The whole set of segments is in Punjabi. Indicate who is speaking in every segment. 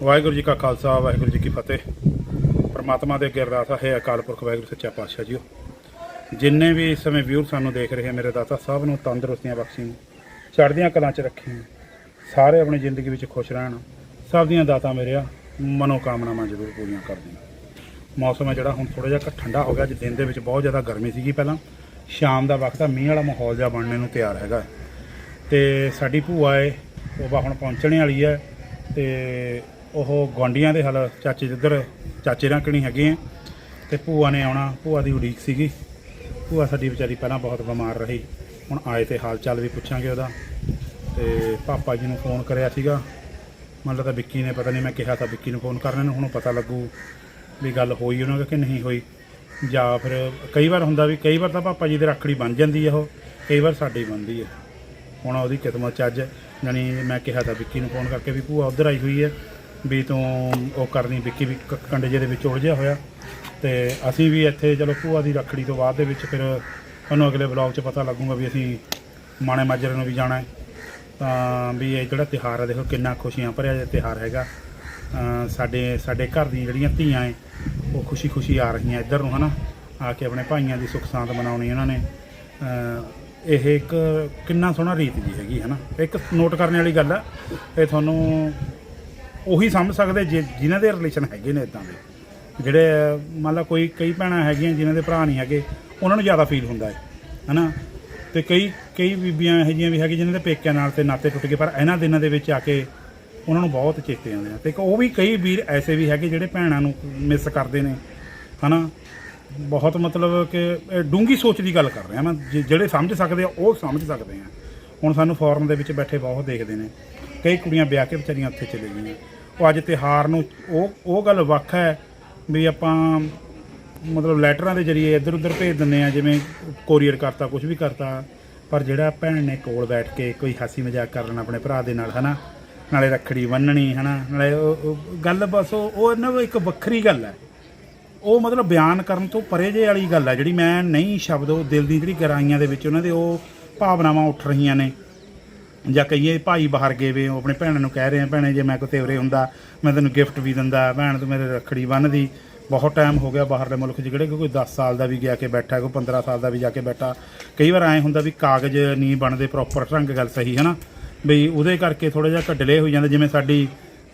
Speaker 1: वाहिगुरू जी का खालसा वाहिगुरू जी की फतेह। परमात्मा के अगे अरदास है अकाल पुरख वाहिगुरू सच्चा पातशाह जी जिन्ने भी इस समय व्यूर सानू देख रहे हैं मेरे दाता सब नूं तंदुरुस्तियां बख्शी चढ़दियां कलां च रखी सारे अपनी जिंदगी में खुश रहन सब दियां दाता मेरे मनोकामनावां जरूर पूरियां कर दें। मौसम है जिहड़ा हुण थोड़ा जिहा ठंडा हो गया। दिन दे विच बहुत ज़्यादा गर्मी सीगी पहलां शाम का वक्त मींह वाला माहौल जिहा बनने नूं तैयार हैगा ते साडी भूआ है वो हुण पहुंचने वाली है ते ਉਹ ਗੁਆਂਢੀਆਂ ਦੇ ਹਲ ਚਾਚੇ ਜਿੱਧਰ ਚਾਚੇ ਰਕਣੀ ਹੈਗੇ ਆ ਤੇ ਭੂਆ ਨੇ ਆਉਣਾ। ਭੂਆ ਦੀ ਉਡੀਕ ਸੀਗੀ। ਭੂਆ ਸਾਡੀ ਵਿਚਾਰੀ ਪਹਿਲਾਂ ਬਹੁਤ ਬਿਮਾਰ ਰਹੀ। ਹੁਣ ਆਏ ਤੇ ਹਾਲ ਚਾਲ ਵੀ ਪੁੱਛਾਂਗੇ ਉਹਦਾ। ਤੇ ਪਾਪਾ ਜੀ ਨੂੰ ਫੋਨ ਕਰਿਆ ਸੀਗਾ ਮਤਲਬ ਤਾਂ ਵਿੱਕੀ ਨੇ ਪਤਾ ਨਹੀਂ ਮੈਂ ਕਿਹਾ ਤਾਂ ਵਿੱਕੀ ਨੂੰ ਫੋਨ ਕਰਨ ਨੂੰ ਹੁਣ ਪਤਾ ਲੱਗੂ ਵੀ ਗੱਲ ਹੋਈ ਉਹਨਾਂ ਦਾ ਕਿ ਨਹੀਂ ਹੋਈ ਜਾਂ ਫਿਰ ਕਈ ਵਾਰ ਹੁੰਦਾ ਵੀ ਕਈ ਵਾਰ ਤਾਂ ਪਾਪਾ ਜੀ ਦੇ ਰੱਖੜੀ ਬਣ ਜਾਂਦੀ ਹੈ ਉਹ ਕਈ ਵਾਰ ਸਾਡੀ ਬਣਦੀ ਹੈ। ਹੁਣ ਉਹਦੀ ਕਿਸਮਤ 'ਚ ਅੱਜ ਜਾਣੀ ਮੈਂ ਕਿਹਾ ਤਾਂ ਵਿੱਕੀ ਨੂੰ ਫੋਨ ਕਰਕੇ ਵੀ ਭੂਆ ਉੱਧਰ ਆਈ ਹੋਈ ਹੈ ਵੀ ਤੂੰ ਉਹ ਕਰਨੀ। ਵਿੱਕੀ ਵੀ ਕੰਡੇ ਜਿਹੇ ਦੇ ਵਿੱਚ ਉਲਝਿਆ ਹੋਇਆ ਤੇ ਅਸੀਂ ਵੀ ਇੱਥੇ ਚਲੋ ਭੂਆ ਦੀ ਰੱਖੜੀ ਤੋਂ ਬਾਅਦ ਦੇ ਵਿੱਚ ਫਿਰ ਤੁਹਾਨੂੰ ਅਗਲੇ ਵਲੌਗ 'ਚ ਪਤਾ ਲੱਗੂਗਾ ਵੀ ਅਸੀਂ ਮਾਣੇ ਮਾਜਰੇ ਨੂੰ ਵੀ ਜਾਣਾ ਹੈ। ਤਾਂ ਵੀ ਇਹ ਜਿਹੜਾ ਤਿਉਹਾਰ ਹੈ ਦੇਖੋ ਕਿੰਨਾ ਖੁਸ਼ੀਆਂ ਭਰਿਆ ਜਿਹਾ ਤਿਉਹਾਰ ਹੈਗਾ। ਸਾਡੇ ਘਰ ਦੀਆਂ ਜਿਹੜੀਆਂ ਧੀਆਂ ਹੈ ਉਹ ਖੁਸ਼ੀ ਖੁਸ਼ੀ ਆ ਰਹੀਆਂ ਇੱਧਰ ਨੂੰ ਹੈ ਨਾ ਆ ਕੇ ਆਪਣੇ ਭਾਈਆਂ ਦੀ ਸੁੱਖ ਸਾਂਦ ਮਨਾਉਣੀ ਇਹਨਾਂ ਨੇ। ਇਹ ਇੱਕ ਕਿੰਨਾ ਸੋਹਣਾ ਰੀਤ ਜੀ ਹੈਗੀ ਹੈ ਨਾ। ਇੱਕ ਨੋਟ ਕਰਨ ਵਾਲੀ ਗੱਲ ਹੈ ਇਹ ਤੁਹਾਨੂੰ ਉਹੀ ਸਮਝ ਸਕਦੇ ਜਿਨ੍ਹਾਂ ਦੇ ਰਿਲੇਸ਼ਨ ਹੈਗੇ ਨੇ ਇੱਦਾਂ ਦੇ ਜਿਹੜੇ ਮੰਨ ਲਾ ਕੋਈ ਕਈ ਭੈਣਾਂ ਹੈਗੀਆਂ ਜਿਨ੍ਹਾਂ ਦੇ ਭਰਾ ਨਹੀਂ ਹੈਗੇ ਉਹਨਾਂ ਨੂੰ ਜ਼ਿਆਦਾ ਫੀਲ ਹੁੰਦਾ ਹੈ ਨਾ। ਅਤੇ ਕਈ ਬੀਬੀਆਂ ਇਹੋ ਜਿਹੀਆਂ ਵੀ ਹੈਗੀਆਂ ਜਿਨ੍ਹਾਂ ਦੇ ਪੇਕਿਆਂ ਨਾਲ ਤੇ ਨਾਤੇ ਟੁੱਟ ਗਏ ਪਰ ਇਹਨਾਂ ਦਿਨਾਂ ਦੇ ਵਿੱਚ ਆ ਕੇ ਉਹਨਾਂ ਨੂੰ ਬਹੁਤ ਚੇਤੇ ਆਉਂਦੇ ਆ। ਅਤੇ ਉਹ ਵੀ ਕਈ ਵੀਰ ਐਸੇ ਵੀ ਹੈਗੇ ਜਿਹੜੇ ਭੈਣਾਂ ਨੂੰ ਮਿਸ ਕਰਦੇ ਨੇ ਹੈ ਨਾ। ਬਹੁਤ ਮਤਲਬ ਕਿ ਡੂੰਘੀ ਸੋਚ ਦੀ ਗੱਲ ਕਰ ਰਿਹਾ ਮੈਂ ਜਿਹੜੇ ਸਮਝ ਸਕਦੇ ਆ ਉਹ ਸਮਝ ਸਕਦੇ ਆ। ਹੁਣ ਸਾਨੂੰ ਫੋਰਨ ਦੇ ਵਿੱਚ ਬੈਠੇ ਬਹੁਤ ਦੇਖਦੇ ਨੇ ਕਈ ਕੁੜੀਆਂ ਵਿਆਹ ਕੇ ਵਿਚਾਰੀਆਂ ਉੱਥੇ ਚਲੇ ਗਈਆਂ। ਉਹ ਅੱਜ ਤਿਉਹਾਰ ਨੂੰ ਉਹ ਗੱਲ ਵੱਖ ਹੈ ਵੀ ਆਪਾਂ ਮਤਲਬ ਲੈਟਰਾਂ ਦੇ ਜ਼ਰੀਏ ਇੱਧਰ ਉੱਧਰ ਭੇਜ ਦਿੰਦੇ ਹਾਂ ਜਿਵੇਂ ਕੋਰੀਅਰ ਕਰਤਾ ਕੁਝ ਵੀ ਕਰਤਾ ਪਰ ਜਿਹੜਾ ਭੈਣ ਨੇ ਕੋਲ ਬੈਠ ਕੇ ਕੋਈ ਹਾਸੀ ਮਜ਼ਾਕ ਕਰ ਲੈਣਾ ਆਪਣੇ ਭਰਾ ਦੇ ਨਾਲ ਹੈ ਨਾ ਨਾਲੇ ਰੱਖੜੀ ਬੰਨ੍ਹਣੀ ਹੈ ਨਾ ਨਾਲੇ ਉਹ ਗੱਲ ਬਸ ਉਹ ਇਹਨਾਂ ਇੱਕ ਵੱਖਰੀ ਗੱਲ ਹੈ। ਉਹ ਮਤਲਬ ਬਿਆਨ ਕਰਨ ਤੋਂ ਪਰੇ ਜੇ ਵਾਲੀ ਗੱਲ ਹੈ ਜਿਹੜੀ ਮੈਂ ਨਹੀਂ ਸ਼ਬਦ ਉਹ ਦਿਲ ਦੀ ਜਿਹੜੀ ਗਹਿਰਾਈਆਂ ਦੇ ਵਿੱਚ ਉਹਨਾਂ ਦੇ ਉਹ ਭਾਵਨਾਵਾਂ ਉੱਠ ਰਹੀਆਂ ਨੇ। ਜਾਂ ਕਈਏ ਭਾਈ ਬਾਹਰ ਗਏ ਵੇ ਉਹ ਆਪਣੇ ਭੈਣਾਂ ਨੂੰ ਕਹਿ ਰਹੇ ਆ ਭੈਣੇ ਜੇ ਮੈਂ ਕੋਈ ਤੇਵਰੇ ਹੁੰਦਾ ਮੈਂ ਤੈਨੂੰ ਗਿਫਟ ਵੀ ਦਿੰਦਾ ਭੈਣ ਤੂੰ ਮੇਰੇ ਰੱਖੜੀ ਬੰਨ੍ਹਦੀ। ਬਹੁਤ ਟਾਈਮ ਹੋ ਗਿਆ ਬਾਹਰਲੇ ਮੁਲਕ 'ਚ ਜਿਹੜੇ ਕੋਈ 10 ਸਾਲ ਦਾ ਵੀ ਗਿਆ ਕੇ ਬੈਠਾ ਕੋਈ 15 ਸਾਲ ਦਾ ਵੀ ਜਾ ਕੇ ਬੈਠਾ। ਕਈ ਵਾਰ ਐਂ ਹੁੰਦਾ ਵੀ ਕਾਗਜ਼ ਨਹੀਂ ਬਣਦੇ ਪ੍ਰੋਪਰ ਢੰਗ ਗੱਲ ਸਹੀ ਹੈ ਨਾ ਵੀ ਉਹਦੇ ਕਰਕੇ ਥੋੜ੍ਹਾ ਜਿਹਾ ਢਿੱਲੇ ਹੋ ਜਾਂਦਾ। ਜਿਵੇਂ ਸਾਡੀ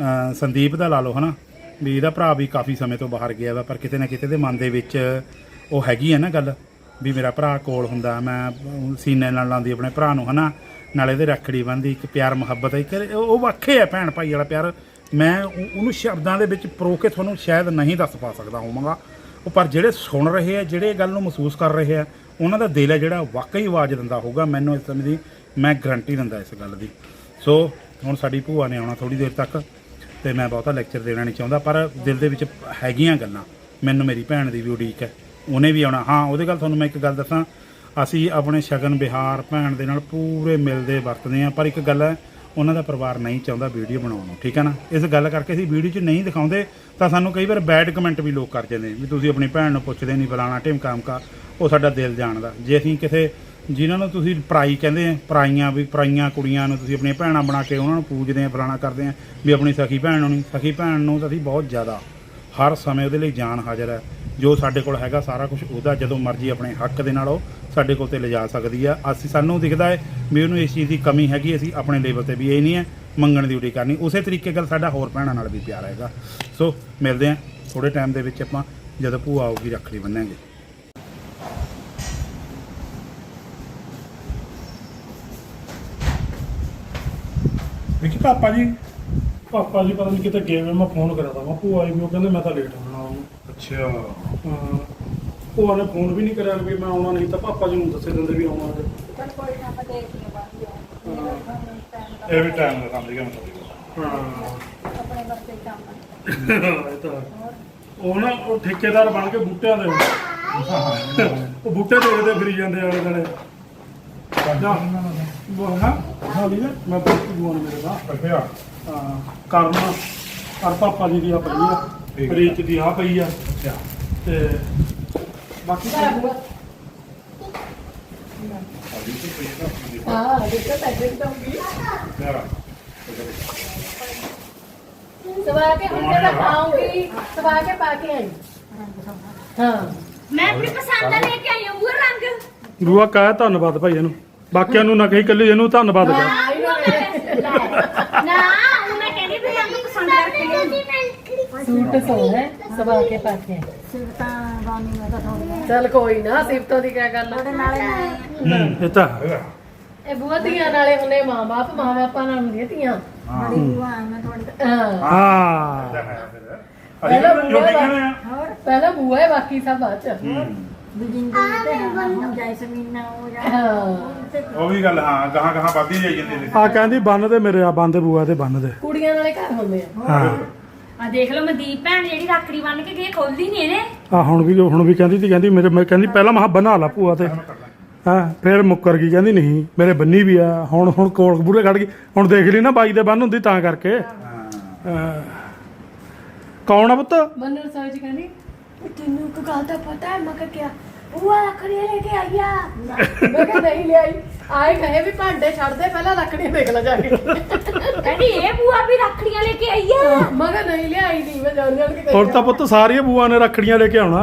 Speaker 1: ਸੰਦੀਪ ਦਾ ਲਾ ਲਓ ਹੈ ਨਾ ਵੀ ਇਹਦਾ ਭਰਾ ਵੀ ਕਾਫੀ ਸਮੇਂ ਤੋਂ ਬਾਹਰ ਗਿਆ ਵਾ ਪਰ ਕਿਤੇ ਨਾ ਕਿਤੇ ਦੇ ਮਨ ਦੇ ਵਿੱਚ ਉਹ ਹੈਗੀ ਹੈ ਨਾ ਗੱਲ ਵੀ ਮੇਰਾ ਭਰਾ ਕੋਲ ਹੁੰਦਾ ਮੈਂ ਸੀਨੇ ਨਾਲ ਲਾਉਂਦੀ ਆਪਣੇ ਭਰਾ ਨੂੰ ਹੈ ਨਾ ਨਾਲੇ ਇਹਦੇ ਰੱਖੜੀ ਬੰਨ੍ਹਦੀ ਇੱਕ ਪਿਆਰ ਮੁਹੱਬਤ ਇੱਕ ਉਹ ਵੱਖੇ ਹੈ ਭੈਣ ਭਾਈ ਵਾਲਾ ਪਿਆਰ। ਮੈਂ ਉਹਨੂੰ ਸ਼ਬਦਾਂ ਦੇ ਵਿੱਚ ਪਰੋ ਕੇ ਤੁਹਾਨੂੰ ਸ਼ਾਇਦ ਨਹੀਂ ਦੱਸ ਪਾ ਸਕਦਾ ਹੋਵਾਂਗਾ ਉਹ ਪਰ ਜਿਹੜੇ ਸੁਣ ਰਹੇ ਆ ਜਿਹੜੇ ਗੱਲ ਨੂੰ ਮਹਿਸੂਸ ਕਰ ਰਹੇ ਆ ਉਹਨਾਂ ਦਾ ਦਿਲ ਹੈ ਜਿਹੜਾ ਵਾਕਈ ਆਵਾਜ਼ ਦਿੰਦਾ ਹੋਊਗਾ। ਮੈਨੂੰ ਇਸ ਸਮੇਂ ਦੀ ਮੈਂ ਗਰੰਟੀ ਦਿੰਦਾ ਇਸ ਗੱਲ ਦੀ। ਸੋ ਹੁਣ ਸਾਡੀ ਭੂਆ ਨੇ ਆਉਣਾ ਥੋੜ੍ਹੀ ਦੇਰ ਤੱਕ ਅਤੇ ਮੈਂ ਬਹੁਤਾ ਲੈਕਚਰ ਦੇਣਾ ਨਹੀਂ ਚਾਹੁੰਦਾ ਪਰ ਦਿਲ ਦੇ ਵਿੱਚ ਹੈਗੀਆਂ ਗੱਲਾਂ। ਮੈਨੂੰ ਮੇਰੀ ਭੈਣ ਦੀ ਵੀ ਉਡੀਕ ਹੈ ਉਹਨੇ ਵੀ ਆਉਣਾ। ਹਾਂ ਉਹਦੇ ਗੱਲ ਤੁਹਾਨੂੰ ਮੈਂ ਇੱਕ ਗੱਲ ਦੱਸਾਂ ਅਸੀਂ ਆਪਣੇ ਸ਼ਗਨ ਵਿਹਾਰ ਭੈਣ ਦੇ ਨਾਲ ਪੂਰੇ ਮਿਲਦੇ ਵਰਤਦੇ ਹਾਂ ਪਰ ਇੱਕ ਗੱਲ ਹੈ ਉਹਨਾਂ ਦਾ ਪਰਿਵਾਰ ਨਹੀਂ ਚਾਹੁੰਦਾ ਵੀਡੀਓ ਬਣਾਉਣ ਨੂੰ ਠੀਕ ਹੈ ਨਾ। ਇਸ ਗੱਲ ਕਰਕੇ ਅਸੀਂ ਵੀਡੀਓ 'ਚ ਨਹੀਂ ਦਿਖਾਉਂਦੇ ਤਾਂ ਸਾਨੂੰ ਕਈ ਵਾਰ ਬੈਡ ਕਮੈਂਟ ਵੀ ਲੋਕ ਕਰ ਜਾਂਦੇ ਵੀ ਤੁਸੀਂ ਆਪਣੀ ਭੈਣ ਨੂੰ ਪੁੱਛਦੇ ਨਹੀਂ ਫਲਾਣਾ ਢਿਮਕਾ ਅਮਕਾ। ਉਹ ਸਾਡਾ ਦਿਲ ਜਾਣਦਾ ਜੇ ਅਸੀਂ ਕਿਸੇ ਜਿਨ੍ਹਾਂ ਨੂੰ ਤੁਸੀਂ ਪਰਾਈ ਕਹਿੰਦੇ ਆ ਪਰਾਈਆਂ ਕੁੜੀਆਂ ਨੂੰ ਤੁਸੀਂ ਆਪਣੀਆਂ ਭੈਣਾਂ ਬਣਾ ਕੇ ਉਹਨਾਂ ਨੂੰ ਪੂਜਦੇ ਆ ਫਲਾਣਾ ਕਰਦੇ ਆ ਵੀ ਆਪਣੀ ਸਖੀ ਭੈਣ ਨੂੰ ਨਹੀਂ। ਸਖੀ ਭੈਣ ਨੂੰ ਤਾਂ ਅਸੀਂ ਬਹੁਤ ਜ਼ਿਆਦਾ ਹਰ ਸਮੇਂ ਉਹਦੇ ਲਈ ਜਾਨ ਹਾਜ਼ਰ ਹੈ। ਜੋ ਸਾਡੇ ਕੋਲ ਹੈਗਾ ਸਾਰਾ ਕੁਝ ਉਹਦਾ ਜਦੋਂ ਮਰਜ਼ੀ ਆਪਣੇ ਹੱਕ ਦੇ ਨਾਲ ਉਹ ਸਾਡੇ ਕੋਲ 'ਤੇ ਲਿਜਾ ਸਕਦੀ ਆ। ਸਾਨੂੰ ਦਿਖਦਾ ਹੈ ਵੀ ਉਹਨੂੰ ਇਸ ਚੀਜ਼ ਦੀ ਕਮੀ ਹੈਗੀ ਅਸੀਂ ਆਪਣੇ ਲੈਵਲ 'ਤੇ ਵੀ ਇਹ ਨਹੀਂ ਹੈ ਮੰਗਣ ਦੀ ਉਡੀਕ ਕਰਨੀ। ਉਸੇ ਤਰੀਕੇ ਨਾਲ ਸਾਡਾ ਹੋਰ ਭੈਣਾਂ ਨਾਲ ਵੀ ਪਿਆਰ ਹੈਗਾ। ਸੋ ਮਿਲਦੇ ਹਾਂ ਥੋੜ੍ਹੇ ਟਾਈਮ ਦੇ ਵਿੱਚ ਆਪਾਂ ਜਦੋਂ ਭੂਆ ਆਊਗੀ ਰੱਖੜੀ ਬੰਨਾਂਗੇ।
Speaker 2: ਦੇਖੀ ਪਾਪਾ ਜੀ ਪਤਾ ਨਹੀਂ ਕਿਤੇ ਗਏ ਮੈਂ ਫੋਨ ਕਰਿਆ ਤਾ ਭੂਆ ਆਈ ਵੀ ਉਹ ਕਹਿੰਦੇ ਮੈਂ ਤਾਂ ਲੇਟ ਹੋਣਾ ਉਹਨੂੰ।
Speaker 1: ਅੱਛਾ
Speaker 2: ਭੂਆ ਨੇ ਫੋਨ ਵੀ ਨਹੀਂ ਕਰਿਆ ਵੀ ਮੈਂ ਆਉਣਾ ਨਹੀਂ ਤਾਂ ਪਾਪਾ ਜੀ ਨੂੰ ਦੱਸੇ ਦਿੰਦੇ ਵੀ ਆਉਣਾ ਅੱਜ।
Speaker 1: ਇਹ ਵੀ ਟਾਈਮ ਦਾ ਕੰਮ ਸੀਗਾ ਮਤਲਬ
Speaker 2: ਇਹ ਤਾਂ ਉਹ ਨਾ ਉਹ ਠੇਕੇਦਾਰ ਬਣ ਕੇ ਬੂਟਿਆਂ ਦੇ ਉਹ ਬੂਟੇ ਦੇਖਦੇ ਫਿਰੀ ਜਾਂਦੇ ਆਲੇ ਦੁਆਲੇ। ਮੈਂ ਬਹੁਤ ਦੁਆਨ ਮੇਰੇ ਦਾ
Speaker 1: ਅੱਛਾ
Speaker 2: ਕਰਨਾ ਪਰ ਪਾਪਾ ਜੀ ਦੀ ਆ ਪਈ ਆ ਰੀਚ ਦੀ ਆ ਪਈ ਆ ਤੇ ਬਾਕੀ
Speaker 3: ਸਵਾ ਕੇ ਹੁਣ ਮੈਂ ਪਾਉਂਗੀ ਸਵਾ ਕੇ ਪਾ ਕੇ ਆਈ ਹਾਂ
Speaker 4: ਮੈਂ ਆਪਣੀ ਪਸੰਦ ਦਾ ਲੈ ਕੇ ਆਈ ਹਾਂ ਉਹ ਰੰਗ
Speaker 2: ਬੂਆ ਕਹੇ ਧੰਨਵਾਦ ਭਾਈ ਇਹਨੂੰ ਬਾਕੀਆਂ ਨੂੰ ਨਾ ਕਹੀ ਕੱਲੀ ਇਹਨੂੰ ਧੰਨਵਾਦ ਕਰ
Speaker 4: ਨਾ ਉਹ ਮੈਂ ਕਹਿੰਦੀ ਵੀ ਰੰਗ ਪਸੰਦ ਕਰਕੇ ਲਿਆਉਂਦੀ
Speaker 3: ਸੂਟ ਸੋਹਣਾ ਸਵਾ ਕੇ ਪਾ ਕੇ ਚਲ ਕੋਈ ਨਾ ਸਿਫਤੋਂ ਦੀ ਕਿਆ ਗੱਲ
Speaker 2: ਇਹ ਤਾਂ
Speaker 3: ਇਹ ਬੂਆ ਧੀਆਂ ਨਾਲੇ ਹੁੰਦੇ ਮਾਂ-ਬਾਪ ਮਾਂ-ਬਾਪਾਂ ਨਾਲ ਹੁੰਦੀਆਂ ਧੀਆਂ ਹਾਂ
Speaker 2: ਹਾਂ
Speaker 3: ਪਹਿਲਾਂ
Speaker 1: ਅਸੀਂ
Speaker 3: ਬੂਆ
Speaker 1: ਲੋਕੀ ਕਹਿੰਦੇ ਆ
Speaker 3: ਪਹਿਲਾਂ ਬੂਆ ਹੈ ਬਾਕੀ ਸਭ ਬਾਅਦ ਚ ਹਾਂ
Speaker 1: ਉਹ ਵੀ ਗੱਲ ਹਾਂ ਗਾਹਾਂ ਗਾਹਾਂ ਵੱਧਦੀ ਜਾਈ ਜਾਂਦੀ ਸੀ
Speaker 2: ਆ ਕਹਿੰਦੀ ਬੰਨ ਦੇ ਮੇਰੇ ਆ ਬੰਦੇ ਬੂਆ ਤੇ ਬੰਨ ਦੇ
Speaker 3: ਕੁੜੀਆਂ ਨਾਲੇ ਘਰ ਹੁੰਦੇ ਆ
Speaker 2: ਹਾਂ
Speaker 4: ਆ ਦੇਖ ਲਓ ਮਨਦੀਪ ਭੈਣ ਜਿਹੜੀ ਰੱਖੜੀ ਬੰਨ ਕੇ ਗਈ ਖੋਲਦੀ ਨਹੀਂ ਇਹਨੇ
Speaker 2: ਆ ਹੁਣ ਵੀ ਕਹਿੰਦੀ ਸੀ ਕਹਿੰਦੀ ਮੇਰੇ ਮੈਂ ਕਹਿੰਦੀ ਪਹਿਲਾਂ ਮਹਾ ਬਣਾ ਲਾ ਭੂਆ ਤੇ ਹਾਂ ਫਿਰ ਮੁੱਕਰ ਗਈ ਕਹਿੰਦੀ ਨਹੀਂ ਮੇਰੇ ਬੰਨੀ ਵੀ ਆ ਹੁਣ ਕੋਲ ਬੂਰੇ ਖੜ ਗਈ ਹੁਣ ਦੇਖ ਲਈ ਨਾ ਬਾਈ ਦੇ ਬੰਨ ਹੁੰਦੀ ਤਾਂ ਕਰਕੇ ਹਾਂ। ਕੌਣ ਆ ਪੁੱਤ
Speaker 3: ਮੈਨੂੰ ਰਸੋਈ ਚ ਕਹਿੰਦੀ
Speaker 4: ਤੈਨੂੰ ਇੱਕ ਗੱਲ ਦਾ ਪਤਾ ਹੈ ਮੈਂ ਕਿਹਾ ਉਹ ਰੱਖੜੀ ਲੈ ਕੇ ਆਈਆ
Speaker 3: ਮੈਂ ਕਿਹਾ ਨਹੀਂ ਲਿਆਈ ਆਏ ਕਹੇ ਵੀ ਭਾਂਡੇ ਛੱਡ ਦੇ ਪਹਿਲਾਂ ਲੱਕੜੀਆਂ ਦੇਖ ਲੈ ਜਾ ਕੇ
Speaker 4: ਕਹਿੰਦੀ ਇਹ ਬੂਆ ਵੀ ਰੱਖੜੀਆਂ ਲੈ ਕੇ ਆਈਆ
Speaker 3: ਮੈਂ ਕਿਹਾ ਨਹੀਂ ਲਿਆਈ ਨਹੀਂ ਮੈਂ ਜਾਣ ਜਾਣ ਕੇ ਕਹੀ
Speaker 2: ਹੁਣ ਤਾਂ ਪੁੱਤ ਸਾਰੀਆਂ ਬੂਆ ਨੇ ਰੱਖੜੀਆਂ ਲੈ ਕੇ ਆਉਣਾ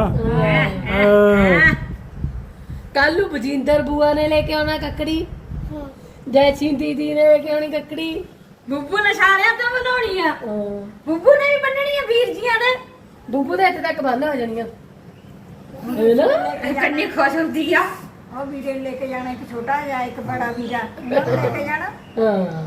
Speaker 3: ਕੱਲ ਨੂੰ ਬਜਿੰਦਰ ਬੂਆ ਨੇ ਲੈ ਕੇ ਆਉਣਾ ਕੱਕੜੀ ਜੈਚੀ ਦੀਦੀ ਨੇ ਲੈ ਕੇ ਆਉਣੀ ਕੱਕੜੀ
Speaker 4: ਬੁੱਬੂ ਨੇ ਸਾਰਿਆਂ ਤੋਂ ਬਣਾਉਣੀ ਆ
Speaker 3: ਹਾਂ।
Speaker 4: ਬੁੱਬੂ ਨੇ ਵੀ ਬੰਨਣੀ ਆ ਵੀਰ ਜੀਆਂ ਦੇ
Speaker 3: ਬੂਬੂ ਦੇ ਇੱਥੇ ਤੱਕ ਬੰਨ ਹੋ ਜਾਣੀਆਂ ਹੈ ਨਾ
Speaker 4: ਕੰਨੀ ਖੁਸ਼ ਹੁੰਦੀ ਆ
Speaker 5: ਉਹ ਵੀਰੇ ਲੈ ਕੇ ਜਾਣਾ ਇੱਕ ਛੋਟਾ ਜਿਹਾ ਇੱਕ ਬੜਾ ਵੀਰਾ ਲੈ ਕੇ ਜਾਣਾ
Speaker 3: ਹਾਂ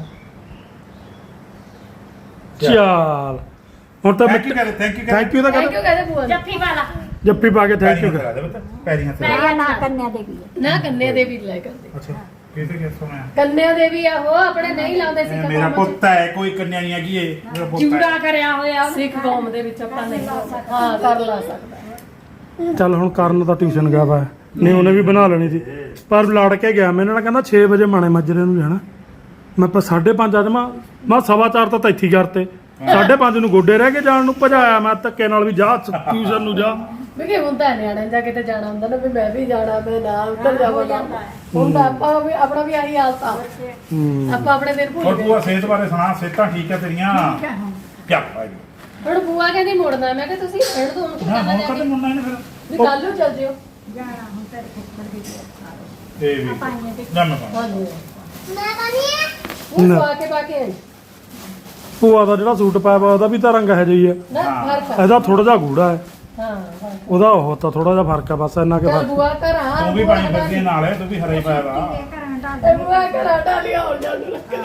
Speaker 2: ਚੱਲ ਹੁਣ ਤਾਂ
Speaker 1: ਥੈਂਕ ਯੂ ਕਹਦੇ ਥੈਂਕ ਯੂ
Speaker 2: ਥੈਂਕ ਯੂ ਤਾਂ
Speaker 3: ਥੈਂਕ
Speaker 2: ਕਰ
Speaker 3: ਯੂ ਕਹਦੇ ਬੂਆ ਨੂੰ
Speaker 4: ਜੱਫੀ ਵਾਲਾ
Speaker 2: ਜੱਫੀ ਪਾ ਕੇ ਥੈਂਕ ਯੂ
Speaker 1: ਕਰਾ ਦੇ ਬਤਾ ਪੈਰੀ ਹੱਥ
Speaker 5: ਨਾ ਨਾ ਕੰਨਿਆ ਦੇ ਵੀ
Speaker 3: ਨਾ ਕੰਨਿਆ ਦੇਵੀ ਲੈ ਕਰਦੇ
Speaker 1: ਅੱਛਾ ਕਿਤੇ ਕਿਸ ਸੁਣਿਆ
Speaker 3: ਕੰਨਿਆ ਦੇਵੀ ਆ ਉਹ ਆਪਣੇ ਨਹੀਂ ਲਾਉਂਦੇ ਸੀ
Speaker 1: ਮੇਰਾ ਪੁੱਤ ਹੈ ਕੋਈ ਕੰਨਿਆ ਨਹੀਂ ਹੈਗੀ ਇਹ ਮੇਰਾ ਪੁੱਤ
Speaker 4: ਚੂੜਾ
Speaker 1: ਹੈ
Speaker 4: ਕਰਿਆ ਹੋਇਆ ਉਹਨੇ।
Speaker 3: ਸਿੱਖ ਕੌਮ ਦੇ ਵਿੱਚ ਆਪਾਂ ਨਹੀਂ ਹਾਂ ਕਰ ਲਾ ਸਕਦਾ
Speaker 2: ਚੱਲ ਹੁਣ ਕਰਨ ਤਾਂ ਟਿਊਸ਼ਨ ਗਿਆ ਵਾ ਨਹੀਂ ਉਹਨੇ ਵੀ ਬਣਾ ਲੈਣੀ ਸੀ ਪਰ ਲੜ ਕੇ ਗਿਆ ਮੈਂ ਇਹਨਾਂ ਨਾਲ ਕਹਿੰਦਾ 6 ਵਜੇ ਮਾਣੇ ਮੱਜਰੇ ਨੂੰ ਜਾਣਾ ਮੈਂ ਪਰ 5:30 ਅੱਜ ਮੈਂ 4:15 ਤਾਂ ਇੱਥੇ ਹੀ ਕਰਤੇ 5:30 ਨੂੰ ਗੋਡੇ ਰਹਿ ਕੇ ਜਾਣ ਨੂੰ ਭਜਾਇਆ ਮੈਂ ਧੱਕੇ ਨਾਲ ਵੀ ਜਾ ਟਿਊਸ਼ਨ ਨੂੰ ਜਾ
Speaker 3: ਵੀ ਕੀ ਹੁੰਦਾ ਹੈ ਨਿਆਣੇ ਜਾ ਕਿਤੇ ਜਾਣਾ ਹੁੰਦਾ ਨਾ ਵੀ ਮੈਂ ਵੀ ਜਾਣਾ ਮੈਂ ਨਾ ਉੱਧਰ ਜਾਵਾਂਗਾ ਹੁੰਦਾ ਆਪਾਂ ਵੀ ਆਪਣਾ ਵੀ ਆਹੀ ਹਾਲਤ ਆ ਆਪਾਂ ਆਪਣੇ ਦਿਨ
Speaker 1: ਹੋਰ
Speaker 3: ਭੁੱਲ ਗਏ
Speaker 1: ਬੂਆ ਸਿਹਤ ਬਾਰੇ ਸੁਣਾ ਸਿਹਤਾਂ ਠੀਕ ਹੈ ਤੇਰੀਆਂ ਕੀ ਭਾਈ
Speaker 3: ਹੁਣ ਬੂਆ ਕਹਿੰਦੀ ਮੁੜਨਾ ਮੈਂ ਕਿਹਾ ਤੁਸੀਂ ਰਹਿਣ ਦੋ ਹੁਣ ਕੀ
Speaker 1: ਨਾ
Speaker 3: ਕਰਨਾ
Speaker 1: ਹੁਣ
Speaker 3: ਜਾ
Speaker 1: ਕਦੇ
Speaker 3: ਕੇ
Speaker 1: ਮੁੰਨਾ ਨਹੀਂ ਫਿਰ
Speaker 3: ਵੀ ਕੱਲ ਨੂੰ ਚੱਲ ਜਿਓ
Speaker 5: ਜਾਣਾ ਹੁਣ ਤੇਰੇ ਫੁੱਫੜ ਦੀ ਘਰ
Speaker 1: ਇਹ ਵੀ
Speaker 5: ਪਾਈਆਂ ਤੇ
Speaker 1: ਨਾ ਮੈਂ ਪਾਵਾਂ।
Speaker 3: ਹਾਂਜੀ
Speaker 4: ਮੈਂ ਕਹਿੰਦੀ
Speaker 3: ਉਹ
Speaker 2: ਨਾ।
Speaker 3: ਪਾ ਕੇ ਆਈ
Speaker 2: ਭੂਆ ਦਾ ਜਿਹੜਾ ਸੂਟ ਪਾਇਆ ਵਾ ਉਹਦਾ ਵੀ ਤਾਂ ਰੰਗ ਹੈ ਜਿਹੀ ਹੈ
Speaker 3: ਨਾ
Speaker 1: ਹਾਂ।
Speaker 3: ਫਰਕ ਆ।
Speaker 2: ਇਹਦਾ ਥੋੜਾ ਜਿਹਾ ਗੂੜਾ ਹੈ
Speaker 3: ਹਾਂ
Speaker 2: ਉਹਦਾ ਉਹ ਤਾਂ ਥੋੜਾ ਜਿਹਾ ਫਰਕ ਹੈ ਬਸ ਇੰਨਾ ਕਿ
Speaker 3: ਚੱਲ
Speaker 2: ਫਰਕ
Speaker 3: ਬੂਆ ਘਰਾਂ
Speaker 1: ਤੂੰ ਵੀ ਪਾਣੀ ਫਿਰਦੀ ਹੈ ਨਾਲ ਤੂੰ ਵੀ ਹਰੇ ਪਾਇਆ ਵਾ
Speaker 5: ਇਹ ਘਰਾਂ ਦਾ
Speaker 3: ਇਹ ਬੂਆ ਘਰਾਂ ਡਾਲੀਆਂ ਹੋ ਜਾਣ ਨੂੰ ਲੱਗਦੀ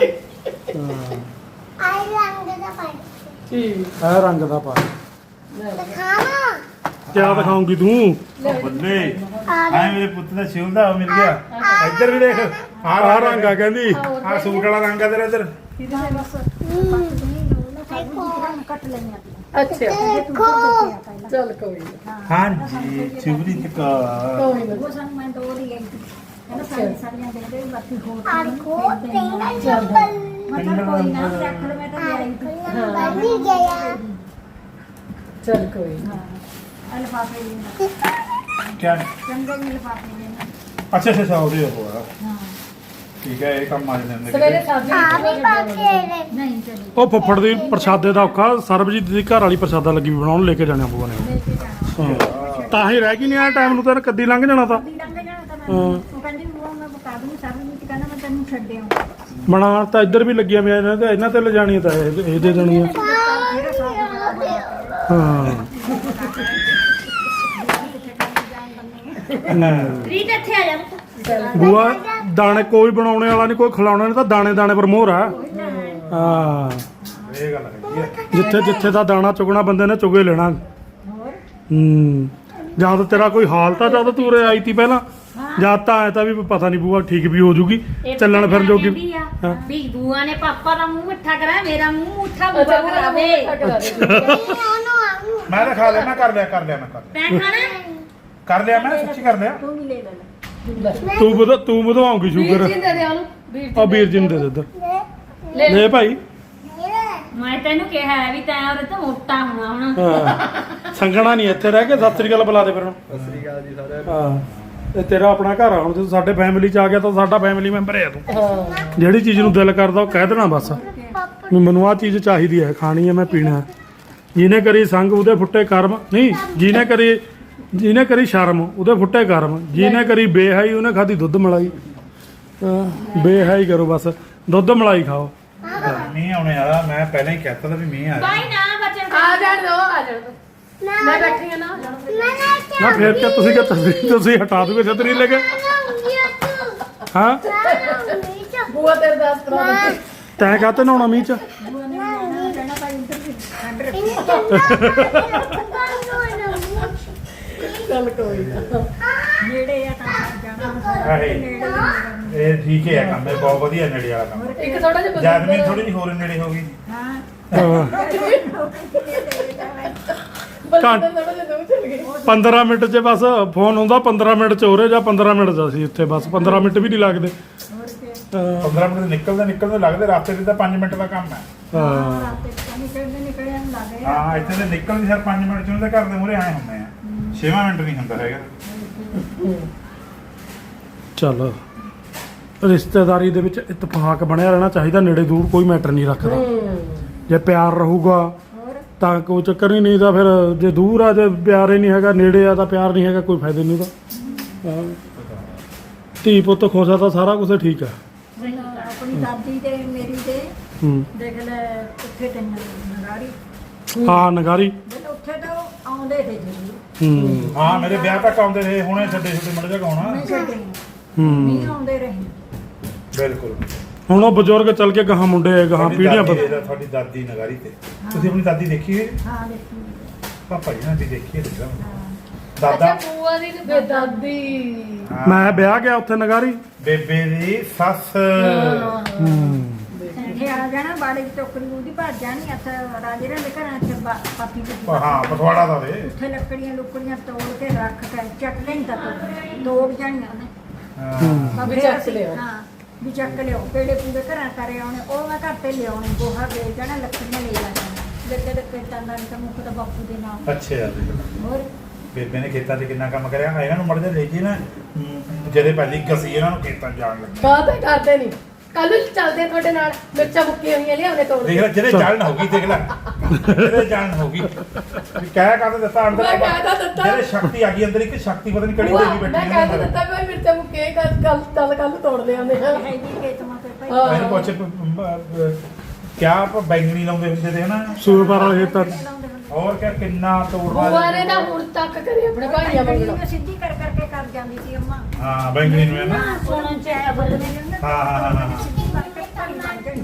Speaker 4: ਆਈ ਰੰਗ ਦਾ ਪਾਣੀ
Speaker 3: ਠੀਕ
Speaker 2: ਇਹ ਰੰਗ ਦਾ ਪਾ
Speaker 4: ਖਾਣਾ
Speaker 2: ਕਿਆ ਦਿਖਾਉਂਗੀ ਤੂੰ
Speaker 1: ਬੱਲੇ ਐ ਮੇਰੇ ਪੁੱਤ ਦਾ ਸਿਉਲ ਦਾ ਉਹ ਮਿਲ ਗਿਆ ਇੱਧਰ ਵੀ ਦੇਖ
Speaker 2: ਆਹ ਰੰਗ ਆ ਕਹਿੰਦੀ
Speaker 1: ਆਹ ਸੂਟ ਵਾਲਾ ਰੰਗ ਆ ਤੇਰਾ ਇੱਧਰ
Speaker 5: ਕੱਟ ਲਈਆਂ
Speaker 3: ਅੱਛਾ
Speaker 4: ਦੇਖੋ
Speaker 3: ਚੱਲ ਕੋਈ ਨਾ
Speaker 1: ਹਾਂਜੀ ਸਿਵਰੀ ਤੱਕ
Speaker 3: ਕੋਈ ਨਾ
Speaker 5: ਉਹ ਸਾਨੂੰ ਮੈਂ ਦੋ ਦੀ ਗਈ ਕਹਿੰਦਾ ਸਾਰੀਆਂ ਦੇ ਦੇ ਬਾਕੀ ਹੋਰ
Speaker 4: ਆਖੋ ਤੇਰਾ
Speaker 3: ਚੱਲ
Speaker 5: ਮੈਂ ਕਿਹਾ ਕੋਈ ਨਾ ਰੱਖ ਲੈ ਮੈਂ ਤਾਂ ਲਿਆਈ ਤੀ
Speaker 4: ਬੰਦੀ ਗਿਆ
Speaker 3: ਚੱਲ ਕੋਈ ਨਾ
Speaker 5: ਅਲਫਾਫੇ ਦੇ
Speaker 1: ਕਿਆ
Speaker 5: ਚੰਗੇ ਜਿਹੇ ਲਿਫਾਫੇ ਦੇ
Speaker 1: ਅੱਛਾ ਅੱਛਾ ਅੱਛਾ ਉਹਦੇ ਉਹ ਆ
Speaker 5: ਹਾਂ
Speaker 1: ਠੀਕ ਹੈ ਇਹ ਕੰਮ ਆ ਜਾਂਦੇ
Speaker 3: ਸਵੇਰੇ ਸਬਜ਼ੀ
Speaker 4: ਆ ਵੀ ਪਾਕੇ
Speaker 5: ਨਹੀਂ ਚਲੀ
Speaker 2: ਉਹ ਫੁੱਫੜ ਦੀ ਪ੍ਰਸ਼ਾਦੇ ਦਾ ਔਖਾ ਸਰਬਜੀਤ ਦੀ ਘਰ ਵਾਲੀ ਪ੍ਰਸ਼ਾਦਾ ਲੱਗੀ ਵੀ ਬਣਾਉਣ ਲੈ ਕੇ ਜਾਣਾ ਬੂਆ ਨੇ
Speaker 5: ਲੈ ਕੇ ਜਾਣਾ
Speaker 2: ਤਾਂ ਹੀ ਰਹਿ ਗਈ ਨਹੀਂ ਆ ਟਾਈਮ ਨੂੰ ਤਾਂ ਕੱਦੀ ਲੰਘ ਜਾਣਾ ਤਾਂ
Speaker 5: ਦੀ ਲੰਘ ਜਾਣਾ ਤਾਂ
Speaker 2: ਹਾਂ।
Speaker 5: ਉਹ ਕਹਿੰਦੀ ਉਹ ਮੈਂ ਬਤਾ ਦੂੰ ਸਭ ਨੂੰ ਕਹਿੰਦਾ ਮੈਂ ਤੈਨੂੰ ਛੱਡਿਆ
Speaker 2: ਬਣਾ ਤਾਂ ਇੱਧਰ ਵੀ ਲੱਗੀਆਂ ਹੋਈਆਂ ਇਹਨਾਂ ਤੇ ਲਿਜਾਣੀ ਤਾਂ ਇਹ ਦੇ ਦੇਣੀ ਆ
Speaker 5: ਜਿਹੜਾ ਸਾਹ
Speaker 2: ਹਾਂ ਨਾ
Speaker 4: ਰੀਤ ਇੱਥੇ ਆ ਜਾ
Speaker 2: ਬੂਆ ਦਾਣੇ ਕੋਈ ਬਣਾਉਣੇ ਵਾਲਾ ਨਹੀਂ ਕੋਈ ਖਿਲਾਉਣਾ ਨਹੀਂ ਤਾਂ ਦਾਣੇ ਦਾਣੇ ਪਰ ਮੋਹਰ ਆ ਹਾਂ
Speaker 1: ਇਹ ਗੱਲ ਹੈਗੀ ਹੈ
Speaker 2: ਜਿੱਥੇ ਜਿੱਥੇ ਦਾ ਦਾਣਾ ਚੁਗਣਾ ਬੰਦੇ ਨੇ ਚੁਗੇ ਲੈਣਾ
Speaker 5: ਹੋਰ
Speaker 2: ਜਦ ਤੇਰਾ ਕੋਈ ਹਾਲਤ ਆ ਜਦ ਤੂੰ ਉਰੇ ਆਈ ਤੀ ਪਹਿਲਾਂ ਜਦ ਤਾਂ ਐ ਤਾਂ ਵੀ ਪਤਾ ਨਹੀਂ ਬੂਆ ਠੀਕ ਵੀ ਹੋ ਜੂਗੀ ਚੱਲਣ ਫਿਰਨ ਜੋਗੀ ਹਾਂ।
Speaker 4: ਵੀ ਬੂਆ ਨੇ ਪਾਪਾ ਦਾ ਮੂੰਹ ਮਿੱਠਾ ਕਰਾਇਆ ਮੇਰਾ ਮੂੰਹ ਮਿੱਠਾ
Speaker 3: ਅੱਛਾ
Speaker 4: ਬੂਆ ਕਰਾਵੇ
Speaker 1: ਮੈਂ ਤਾਂ ਖਾ ਲਿਆ ਮੈਂ ਕਰ ਲਿਆ ਮੈਂ ਕਰ ਲਿਆ
Speaker 4: ਤੈਂ ਖਾਣਾ
Speaker 1: ਕਰ ਲਿਆ ਮੈਂ ਸੱਚੀ ਕਰ ਲਿਆ
Speaker 5: ਤੂੰ ਵੀ ਲੈ ਲੈ
Speaker 2: ਤੂੰ ਵਧਾਉਂਗੀ
Speaker 3: ਵੀਰ
Speaker 2: ਸ਼ੂਗਰ
Speaker 3: ਜੀ ਦੇ ਦੇ ਉਹਨੂੰ ਵੀਰ
Speaker 2: ਆ ਵੀਰ ਜੀ ਨੂੰ ਦੇ ਦੇ ਇੱਧਰ
Speaker 3: ਲੈ
Speaker 2: ਲੈ ਭਾਈ
Speaker 4: ਮੈਂ ਤੈਨੂੰ ਕਿਹਾ ਹੈ ਵੀ ਤੈਂ ਉਹਦੇ ਤੋਂ ਮੋਟਾ ਹੋਣਾ ਹੁਣ
Speaker 2: ਹਾਂ ਸੰਗਣਾ ਨਹੀਂ ਇੱਥੇ ਰਹਿ ਕੇ ਸਤਿ ਸ੍ਰੀ ਅਕਾਲ ਬੁਲਾ ਦੇ ਫਿਰ ਹੁਣ ਸਤਿ ਸ੍ਰੀ ਅਕਾਲ ਜੀ ਸਾਰਿਆਂ ਨੂੰ ਹਾਂ ਇਹ ਤੇਰਾ ਆਪਣਾ ਘਰ ਆ ਹੁਣ ਜੇ ਤੂੰ ਸਾਡੇ ਫੈਮਿਲੀ ਚ ਆ ਗਿਆ ਤਾਂ ਸਾਡਾ ਫੈਮਿਲੀ ਮੈਂਬਰ ਹੈ ਤੂੰ
Speaker 3: ਹਾਂ
Speaker 2: ਜਿਹੜੀ ਚੀਜ਼ ਨੂੰ ਦਿਲ ਕਰਦਾ ਉਹ ਕਹਿ ਦੇਣਾ ਬਸ
Speaker 4: ਪਾਪਾ
Speaker 2: ਵੀ ਮੈਨੂੰ ਆਹ ਚੀਜ਼ ਚਾਹੀਦੀ ਹੈ, ਖਾਣੀ ਹੈ, ਮੈਂ ਪੀਣਾ ਹੈ। ਜਿਹਨੇ ਕਰੀ ਸੰਗ ਉਹਦੇ ਫੁੱਟੇ ਕਰਮ, ਨਹੀਂ ਜਿਹਨੇ ਕਰੀ ਸ਼ਰਮ ਉਹਦੇ ਫੁੱਟੇ ਕਰਮ, ਜਿਹਨੇ ਕਰੀ ਬੇਹਾਈ ਉਹਨੇ ਖਾਧੀ ਦੁੱਧ ਮਲਾਈ। ਬੇਹਾਈ ਕਰੋ ਬਸ, ਦੁੱਧ ਮਲਾਈ ਖਾਓ।
Speaker 1: ਮੀਂਹ ਆਉਣੇ ਵਾਲਾ, ਮੈਂ ਪਹਿਲਾਂ ਹੀ ਕਹਿਤਾ ਤਾਂ ਵੀ ਮੀਂਹ ਆ
Speaker 4: ਬਾਈ ਨਾ ਬੱਚਨ
Speaker 3: ਆ ਜਾਣ ਦੋ ਮੈਂ ਬੈਠੀ ਆ ਨਾ
Speaker 2: ਨਾ ਫੇਰ ਕਿ ਤੁਸੀਂ ਹਟਾ ਦੋਗੇ ਛਤਰੀ ਲੈ ਕੇ? ਹਾਂ
Speaker 3: ਬੂਆ ਤੇਰੇ ਦਾਸ ਕਰਾ ਦੇ
Speaker 2: ਤੈਂ ਕਾਹਤੇ ਨਹਾਉਣਾ ਮੀਂਹ ਚ?
Speaker 5: ਕਹਿਣਾ ਭਾਈ ਇੱਧਰ ਵੀ ਠੰਡ ਰੱਖੀ
Speaker 3: ਚੱਲ ਕੋਈ ਨਾ
Speaker 5: ਨੇੜੇ ਆ ਤਾਂ ਜਾਣਾ
Speaker 1: ਆਹੇ।
Speaker 5: ਨੇੜੇ ਹੀ
Speaker 1: ਇਹ ਠੀਕ ਹੈ ਕੰਮ, ਇਹ ਬਹੁਤ ਵਧੀਆ ਨੇੜੇ ਵਾਲਾ ਕੰਮ।
Speaker 3: ਇੱਕ ਥੋੜਾ ਜਿਹਾ
Speaker 1: ਜੈਸਮੀਨ ਥੋੜੀ ਜਿਹੀ ਹੋਰ ਨੇੜੇ ਹੋ ਗਈ।
Speaker 5: ਹਾਂ
Speaker 3: ਬਲਜਿੰਦਰ ਥੋੜਾ ਜਿਹਾ ਦੂਰ ਚਲ ਗਈ
Speaker 2: 15 ਮਿੰਟ ਚ ਬਸ ਫੋਨ ਆਉਂਦਾ, 15 ਮਿੰਟ ਚ ਹੋ ਰਿਹਾ ਜਾਂ 15 ਮਿੰਟ ਚ ਅਸੀਂ ਉੱਥੇ, ਬਸ 15 ਮਿੰਟ ਵੀ ਨਹੀਂ ਲੱਗਦੇ।
Speaker 5: ਹੋਰ ਕੀ
Speaker 1: 15 ਮਿੰਟ ਨਿਕਲਦੇ ਲੱਗਦੇ, ਰਸਤੇ ਤੇ ਤਾਂ 5 ਮਿੰਟ ਦਾ ਕੰਮ ਹੈ।
Speaker 2: ਹਾਂ
Speaker 5: ਰਾਤੇ ਨਿਕਲਿਆ ਨੂੰ ਲੱਗੇ
Speaker 1: ਹਾਂ ਇੱਥੇ ਤੇ ਨਿਕਲਦੇ ਸਰ 5 ਮਿੰਟ ਚ ਉਹਦੇ ਘਰ ਦੇ ਮੂਹਰੇ ਆਏ ਹੁੰਦੇ ਆ, 6 ਮਿੰਟ ਨਹੀਂ ਹੁੰਦਾ ਹੈਗਾ।
Speaker 2: ਚੱਲ ਰਿਸ਼ਤੇਦਾਰੀ ਦੇ ਵਿੱਚ ਇਤਫਾਕ ਬਣਿਆ ਰਹਿਣਾ ਚਾਹੀਦਾ, ਨੇੜੇ ਦੂਰ ਕੋਈ ਮੈਟਰ ਨਹੀਂ ਰੱਖਦਾ। ਜੇ ਪਿਆਰ ਰਹੂਗਾ
Speaker 5: ਹੋਰ
Speaker 2: ਤਾਂ ਕੋਈ ਚੱਕਰ ਹੀ ਨਹੀਂ, ਤਾਂ ਫਿਰ ਜੇ ਦੂਰ ਆ, ਜੇ ਪਿਆਰ ਹੀ ਨਹੀਂ ਹੈਗਾ, ਨੇੜੇ ਆ ਤਾਂ ਪਿਆਰ ਨਹੀਂ ਹੈਗਾ, ਕੋਈ ਫਾਇਦਾ ਨਹੀਂ ਉਹਦਾ। ਧੀ ਪੁੱਤ ਖੁਸ਼ ਆ ਤਾਂ ਸਾਰਾ ਕੁਝ ਠੀਕ ਆ।
Speaker 5: ਆਪਣੀ ਦਾਦੀ ਤੇ ਮੇਰੀ ਤੇ
Speaker 2: ਹੂੰ
Speaker 5: ਦੇਖ ਲੈ ਉੱਥੇ ਤੇ ਨਗਾਰੀ
Speaker 2: ਹਾਂ ਨਗਾਰੀ।
Speaker 5: ਜਦੋਂ ਉੱਥੇ ਤਾਂ ਆਉਂਦੇ ਤੇ ਜੀ
Speaker 2: ਹੂੰ
Speaker 1: ਹਾਂ ਮੇਰੇ ਵਿਆਹ ਤੱਕ ਆਉਂਦੇ ਰਹੇ, ਹੁਣੇ ਛੱਡੇ ਮੜ ਜਾ ਗਾਉਣਾ।
Speaker 5: ਮੈਂ ਛੱਡੇ
Speaker 2: ਹੂੰ
Speaker 5: ਨਹੀਂ ਆਉਂਦੇ ਰਹੇ
Speaker 1: ਬਿਲਕੁਲ।
Speaker 2: ਹੁਣ ਉਹ ਬਜ਼ੁਰਗ ਚੱਲ ਕੇ ਗਾਹਾਂ ਮੁੰਡੇ ਗਾਹਾਂ
Speaker 1: ਤੁਹਾਡੀ
Speaker 2: ਪੀੜ੍ਹੀਆਂ
Speaker 1: ਦਾਦੀ
Speaker 2: ਬਦ-
Speaker 1: ਦੇ- ਤੁਹਾਡੀ ਦਾਦੀ ਨਗਾਰੀ ਤੇ ਤੁਸੀਂ ਆਪਣੀ ਦਾਦੀ ਦੇਖੀ ਹੈ?
Speaker 5: ਹਾਂ ਦੇਖੀ
Speaker 1: ਪਾਪਾ ਜੀ ਨਾਲ ਵੀ ਦੇਖੀ ਹੈ ਦੇਖਦਾ
Speaker 5: ਹਾਂ
Speaker 1: ਦਾਦਾ।
Speaker 3: ਅੱਛਾ ਬੂਆ ਦੀ ਤੇ ਦਾਦੀ
Speaker 1: ਹਾਂ,
Speaker 2: ਮੈਂ ਵਿਆਹ ਗਿਆ ਉੱਥੇ ਨਗਾਰੀ।
Speaker 1: ਬੇਬੇ ਦੀ ਸੱਸ।
Speaker 2: ਹੂੰ
Speaker 5: ਇੱਥੇ ਆ ਜਾਣਾ ਬਾੜੇ ਦੀ ਟੋਕਰੀ ਉਹਦੀ ਭੱਜ ਜਾਣੀ ਇੱਥੇ ਰਾਜੇ ਦੇ ਘਰਾਂ ਚ ਪਾਪੀ ਦੀ
Speaker 1: ਹਾਂ ਪਥਵਾੜਾ ਦਾ ਵੇ।
Speaker 5: ਉੱਥੇ ਲੱਕੜੀਆਂ ਲੁਕੜੀਆਂ ਤੋੜ ਕੇ ਰੱਖ ਕੇ ਚੱਕ ਲੈਣ ਤਾਂ ਤੋੜ ਜਾਣੀਆਂ ਉਹਨੇ
Speaker 1: ਹਾਂ
Speaker 3: ਵੀ ਚੱਕ ਲਿਓ।
Speaker 5: ਹਾਂ ਵੀ ਚੱਕ ਲਿਓ ਕਿਹੜੇ ਪੂਰੇ ਘਰਾਂ ਕਰੇ ਆਉਣੇ ਉਹ ਮੈਂ ਘਰ ਤੇ ਲਿਆਉਣੇ ਗੋਹਾ ਵੇਚ ਜਾਣਾ ਲੱਕੜੀਆਂ ਲੈ ਜਾਣਾ ਲੱਗੇ ਦੇ ਪੇਟਾਂ ਦਾ ਤਾਂ ਮੁੱਖ ਤਾਂ ਬਾਪੂ ਦੇ ਨਾਮ
Speaker 1: ਅੱਛਾ ਯਾਰ
Speaker 5: ਹੋਰ
Speaker 1: ਬੇਬੇ ਨੇ ਖੇਤਾਂ 'ਚ ਕਿੰਨਾ ਕੰਮ ਕਰਿਆ। ਇਹਨਾਂ ਨੂੰ ਮੜ ਜਾ ਲੈ ਜੀ ਨਾ, ਜਿਹਦੇ ਪਹਿਲੀ ਗਸੀ ਇਹਨਾਂ ਨੂੰ ਖੇਤਾਂ 'ਚ ਜਾਣ ਲੱਗੀ।
Speaker 3: ਕਾਹਤੇ ਕਰਦੇ ਨਹੀਂ ਕੱਲ ਨੂੰ ਚੱਲਦੇ ਆ ਤੁਹਾਡੇ ਨਾਲ ਮਿਰਚਾਂ ਮੁੱਕੀਆਂ ਹੋਈਆਂ ਲਿਆਉਣੇ ਤੋੜ
Speaker 1: ਦੇਖ ਲੈ ਜਿਹਦੇ ਜਾਣ ਹੋ ਗਈ, ਦੇਖ ਲੈ ਜਿਹਦੇ ਜਾਣ ਹੋ ਗਈ ਵੀ ਕਹਿ ਕਾਹਦੇ ਦਿੱਤਾ ਅੰਦਰ।
Speaker 3: ਮੈਂ ਕਹਿ ਤਾਂ ਦਿੱਤਾ।
Speaker 1: ਜਿਹਦੇ ਸ਼ਕਤੀ ਆ ਗਈ ਅੰਦਰ, ਇੱਕ ਸ਼ਕਤੀ ਪਤਾ ਨਹੀਂ ਕਿਹੜੀ
Speaker 3: ਬੂਆ,
Speaker 1: ਦੇਗੀ
Speaker 3: ਮੈਂ
Speaker 1: ਬੈਠੀ
Speaker 3: ਕਹਿ ਤਾਂ ਦਿੱਤਾ ਕੋਈ ਮਿਰਚਾਂ ਮੁੱਕੀਆਂ ਕੱਲ ਤੋੜ ਲਿਆਉਂਦੇ ਆ
Speaker 5: ਹੈ ਜੀ ਖੇਤ ਮਾ ਤੇ ਭਾਈ
Speaker 3: ਹਾਂ।
Speaker 1: ਮੈਨੂੰ ਪੁੱਛ ਕਿਆ ਆਪਾਂ ਬੈਂਗਣੀ ਲਾਉਂਦੇ ਹੁੰਦੇ ਤੇ ਹਨਾ,
Speaker 2: ਸੂਰਪਾਰ ਵਾਲੇ ਖੇਤਾਂ 'ਚ।
Speaker 5: ਲਾਉਂਦੇ ਹੁੰਦੇ
Speaker 1: ਹੋਰ ਕਿਆ ਕਿੰਨਾ ਤੋੜਵਾ
Speaker 3: ਬੂਆ ਨੇ ਤਾਂ ਹੁਣ ਤੱਕ ਕਰੇ ਆਪਣੇ ਭਾਈਆਂ ਮੰਗਣਾ
Speaker 5: ਮੈਂ ਸਿੱਧੀ ਕਰ ਕਰਕੇ ਕਰ ਜਾਂਦੀ ਸੀ ਅੰਮਾ
Speaker 1: ਹਾਂ ਬੈਂਗਣੀ ਨੂੰ ਹੈ ਨਾ।
Speaker 5: ਸੁਣਨ ਚ ਆਇਆ ਬਦਲੇ ਨੇ
Speaker 1: ਹਾਂ ਹਾਂ ਹਾਂ ਹਾਂ
Speaker 5: ਸਿੱਧੀ ਕਰਕੇ ਭਾਈ ਬਣ ਜਾਣੀ।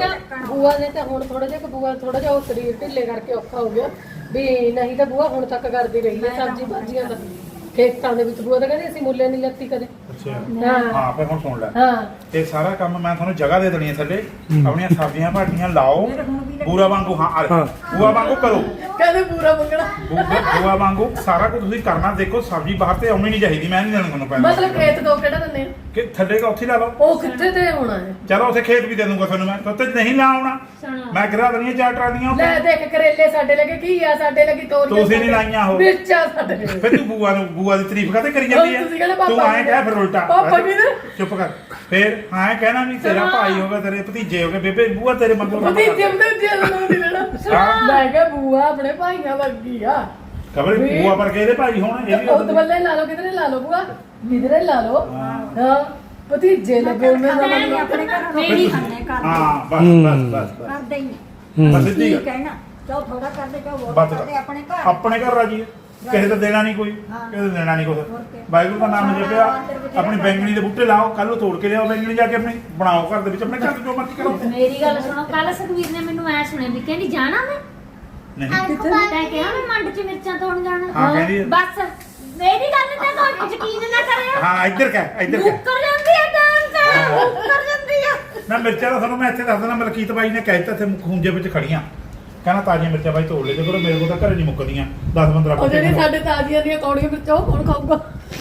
Speaker 3: ਬੂਆ ਨੇ ਤਾਂ ਹੁਣ ਥੋੜਾ ਜਿਹਾ ਬੂਆ ਥੋੜਾ ਜਿਹਾ ਉਹ ਸਰੀਰ ਢਿੱਲੇ ਕਰਕੇ ਔਖਾ ਹੋ ਗਿਆ ਵੀ ਨਹੀਂ ਤਾਂ ਬੂਆ ਹੁਣ ਤੱਕ ਕਰਦੀ ਰਹੀ ਹੈ ਸਬਜ਼ੀ ਭਾਜੀਆਂ ਦਾ ਖੇਤਾਂ ਦੇ ਵਿੱਚ ਬੂਆ ਤਾਂ ਕਹਿੰਦੇ ਅਸੀਂ ਮੁੱਲੇ ਨਹੀਂ ਲੱਤੀ ਕਦੇ
Speaker 1: ਅੱਛਾ
Speaker 3: ਹਾਂ
Speaker 1: ਹਾਂ ਫਿਰ ਹੁਣ ਸੁਣ ਲੈ,
Speaker 3: ਹਾਂ
Speaker 1: ਇਹ ਸਾਰਾ ਕੰਮ ਮੈਂ ਤੁਹਾਨੂੰ ਜਗ੍ਹਾ ਦੇ ਦੇਣੀ ਹੈ ਥੱਲੇ, ਆਪਣੀਆਂ ਸਬਜ਼ੀਆਂ ਭਾਟੀਆਂ ਲਾਓ ਪੂਰਾ ਵਾਂਗੂ। ਹਾਂ
Speaker 2: ਹਾਂ।
Speaker 1: ਪੂਰਾ ਵਾਂਗੂ ਕਰੋ,
Speaker 3: ਕਹਿੰਦੇ ਪੂਰਾ ਮੰਗਣਾ
Speaker 1: ਪੂਰਾ ਵਾਂਗੂ ਸਾਰਾ ਕੁਝ ਤੁਸੀਂ ਕਰਨਾ। ਦੇਖੋ ਸਬਜ਼ੀ ਬਾਹਰ ਤੇ ਆਉਣੀ ਨਹੀਂ ਚਾਹੀਦੀ, ਮੈਂ ਨਹੀਂ ਦੇਣਾ ਤੁਹਾਨੂੰ ਪੈਸੇ।
Speaker 3: ਮਤਲਬ ਖੇਤ ਦੋ ਕਿਹੜਾ ਦਿੰਦੇ ਆ?
Speaker 1: ਕਿ ਥੱਲੇ ਕਾ ਉੱਥੇ ਲਾ ਲਓ,
Speaker 3: ਉਹ ਕਿੱਥੇ ਤੇ ਹੋਣਾ ਹੈ
Speaker 1: ਚਲੋ ਉੱਥੇ ਖੇਤ ਵੀ ਦੇ ਦੂੰਗਾ ਤੁਹਾਨੂੰ ਮੈਂ, ਤੇ ਨਹੀਂ ਲਾ ਆਉਣਾ ਮੈਂ ਗਿਰਾ ਦੇਣੀਆਂ 4 ਟਰਾਲੀਆਂ
Speaker 3: ਲੈ
Speaker 1: ਉੱਥੇ।
Speaker 3: ਦੇਖ ਕਰੇਲੇ ਸਾਡੇ ਲੱਗੇ ਕੀ ਆ ਸਾਡੇ ਲੱਗੀ ਤੋਰੀਆਂ
Speaker 1: ਤੁਸੀਂ ਨੀ ਲਾਈਆਂ ਉਹ।
Speaker 3: ਮਿਰਚਾਂ ਸਾਡੇ ਲੱਗੇ।
Speaker 1: ਫਿਰ ਤੂੰ ਬੂਆ ਦੀ ਤਾਰੀਫ ਕਾਤੇ ਕਰੀ ਜਾਂਦੀ ਹੈ?
Speaker 3: ਤੁਸੀਂ ਕਹਿੰਦੇ ਪਾਪਾ
Speaker 1: ਤੂੰ ਐਂ ਕਹਿ ਫਿਰ ਉਲਟਾ
Speaker 3: ਪਾਪਾ ਕੀ ਨੇ?
Speaker 1: ਚੁੱਪ ਕਰ। ਫਿਰ ਐਂ ਕਹਿਣਾ ਵੀ ਤੇਰਾ ਭਾਈ ਹੋਗਾ, ਤੇਰੇ ਭਤੀਜੇ ਹੋਗੇ, ਬੇਬੇ ਬੂਆ ਤੇਰੇ ਮੰਗੋ
Speaker 3: ਭਤੀਜੇ ਭਤੀਜੇ ਨੂੰ ਨਹੀਂ ਲੈਣਾ ਮੈਂ ਕਿਹਾ ਬੂਆ ਆਪਣੇ ਭਾਈਆਂ ਵਰਗੀ ਆ
Speaker 1: ਖਬਰ ਬੂਆ ਪਰ ਕੇ ਇਹਦੇ ਭਾਈ ਹੋਣ, ਇਹ ਵੀ
Speaker 3: ਉਹ ਬੱਲੇ ਲਾ ਲਓ ਕਿਧਰੇ ਲਾ ਲਓ ਬੂਆ ਕਿਧਰੇ ਲਾ ਲਓ ਹਾਂ ਭਤੀਜੇ ਲੱਗੇ ਉਹਨਾਂ ਦਾ
Speaker 5: ਮੈਂ
Speaker 3: ਮਤਲਬ
Speaker 5: ਆਪਣੇ ਘਰ ਰੋਟੀ ਖਾਣੇ ਕਰ
Speaker 1: ਹਾਂ ਬਸ
Speaker 5: ਕਰਦੇ ਹੀ
Speaker 1: ਬਸ ਸਿੱਧੀ
Speaker 5: ਕੀ
Speaker 1: ਗੱਲ।
Speaker 5: ਕਹਿਣਾ ਚਾਹ ਥੋੜਾ ਕਰਦੇ ਚਾਹ ਬਹੁਤ
Speaker 1: ਬਸ
Speaker 5: ਕਰਦੇ ਆਪਣੇ ਘਰ
Speaker 1: ਆਪਣੇ ਘਰ ਰਾਜੀ ਹੈ, ਕਿਸੇ ਦਾ ਦੇਣਾ ਨਹੀਂ ਕੋਈ, ਕਿਸੇ ਦਾ ਦੇਣਾ ਨਹੀਂ ਕੁਛ। ਵਾਹਿਗੁਰੂ ਦਾ ਨਾਮ ਜਪਿਆ, ਆਪਣੀ ਬੈਂਗਣੀ ਦੇ ਬੂਟੇ ਲਾਓ, ਕੱਲ ਨੂੰ ਤੋੜ ਕੇ ਲਿਆਓ ਬੈਂਗਣੀ, ਜਾ ਕੇ ਆਪਣੀ ਬਣਾਓ ਘਰ ਦੇ ਵਿੱਚ, ਆਪਣੇ ਘਰ ਚ ਜੋ ਮਰਜ਼ੀ ਕਰੋ।
Speaker 4: ਮੇਰੀ ਗੱਲ ਸੁਣੋ, ਕੱਲ ਸੁਖਵੀਰ ਨੇ ਮੈਨੂੰ ਐ ਸੁਣਿਆ ਵੀ ਕਹਿੰਦੀ ਜਾਣਾ ਮੈਂ
Speaker 1: ਨਹੀਂ
Speaker 4: ਤੈਂ ਕਿਹਾ ਮੈਂ ਮੰਡ 'ਚ ਮਿਰਚਾਂ ਤੋੜਨ ਜਾਣਾ
Speaker 1: ਹਾਂ ਕਹਿੰਦੀ ਹੈ।
Speaker 4: ਬਸ ਮੇਰੀ ਗੱਲ ਤੇ ਕੋਈ ਯਕੀਨ ਨਾ ਕਰਿਓ
Speaker 1: ਹਾਂ ਇੱਧਰ ਕਹਿ
Speaker 4: ਮੁੱਕਰ ਜਾਂਦੀ ਆ ਡਾਂਸ ਮੁੱਕਰ ਜਾਂਦੀ ਆ
Speaker 1: ਨਾ ਮਿਰਚਾਂ ਦਾ ਤੁਹਾਨੂੰ ਮੈਂ ਇੱਥੇ ਦੱਸ ਦਿੰਦਾ, ਮਲਕੀਤ ਬਾਈ ਨੇ ਕਹਿ ਦਿੱਤਾ ਇੱਥੇ ਖੂੰਜੇ ਵਿੱਚ ਖੜੀਆਂ, ਕਹਿੰਦਾ ਤਾਜ਼ੀਆਂ ਮਿਰਚਾਂ ਬਾਈ ਤੋੜ ਲੈ ਜੇ ਕਰੋ, ਮੇਰੇ ਕੋਲ ਤਾਂ ਘਰੇ ਨਹੀਂ ਮੁੱਕਦੀਆਂ 10-15
Speaker 3: ਉਹ ਜਿਹੜੀ ਸਾਡੇ ਤਾਜ਼ੀਆਂ ਦੀਆਂ ਕੌੜੀਆਂ ਵਿੱਚ ਉਹ ਕੌਣ ਖਾਊਗਾ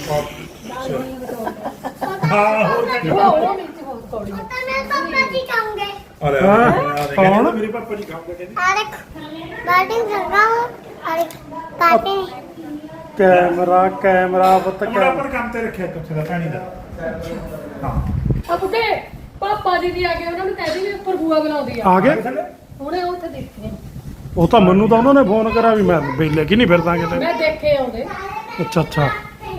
Speaker 1: ਹਾਂ ਹੋਰ ਕੀ
Speaker 3: ਉਹ ਮਿਰਚ ਬਹੁਤ ਕੌੜੀਆਂ
Speaker 6: मैं पापा जी खाऊंगे
Speaker 1: ਅਰੇ
Speaker 2: ਕੌਣ?
Speaker 1: ਮੇਰੇ ਪਾਪਾ ਜੀ ਖਾਉਂਗੇ ਕਹਿੰਦੀ
Speaker 6: और बैटिंग कर रहा हूँ और काटे
Speaker 2: ਕੈਮਰਾ ਪੁੱਤ
Speaker 1: ਮੁੰਡਾ ਪਰ ਕੰਮ ਤੇ ਰੱਖਿਆ ਕੁਛ ਦਾ ਪਾਣੀ ਦਾ। ਹਾਂ
Speaker 3: ਆ ਬੁੱਢੇ ਪਾਪਾ ਜੀ ਵੀ ਆ ਗਏ, ਉਹਨਾਂ ਨੂੰ ਕਹਿ ਦੀ ਵੀ ਉੱਪਰ ਬੂਆ ਬੁਲਾਉਂਦੀ ਆ।
Speaker 2: ਆ ਗਏ
Speaker 3: ਹੁਣੇ ਉੱਥੇ ਦੇਖੇ
Speaker 2: ਉਹ ਤਾਂ ਮੈਨੂੰ ਤਾਂ ਉਹਨਾਂ ਨੇ ਫੋਨ ਕਰਿਆ ਵੀ ਮੈਂ ਵੇਲੇ ਕਿ ਨਹੀਂ ਫਿਰਦਾ ਕਿਤੇ।
Speaker 3: ਮੈਂ ਦੇਖੇ ਆਉਂਦੇ।
Speaker 2: ਅੱਛਾ ਅੱਛਾ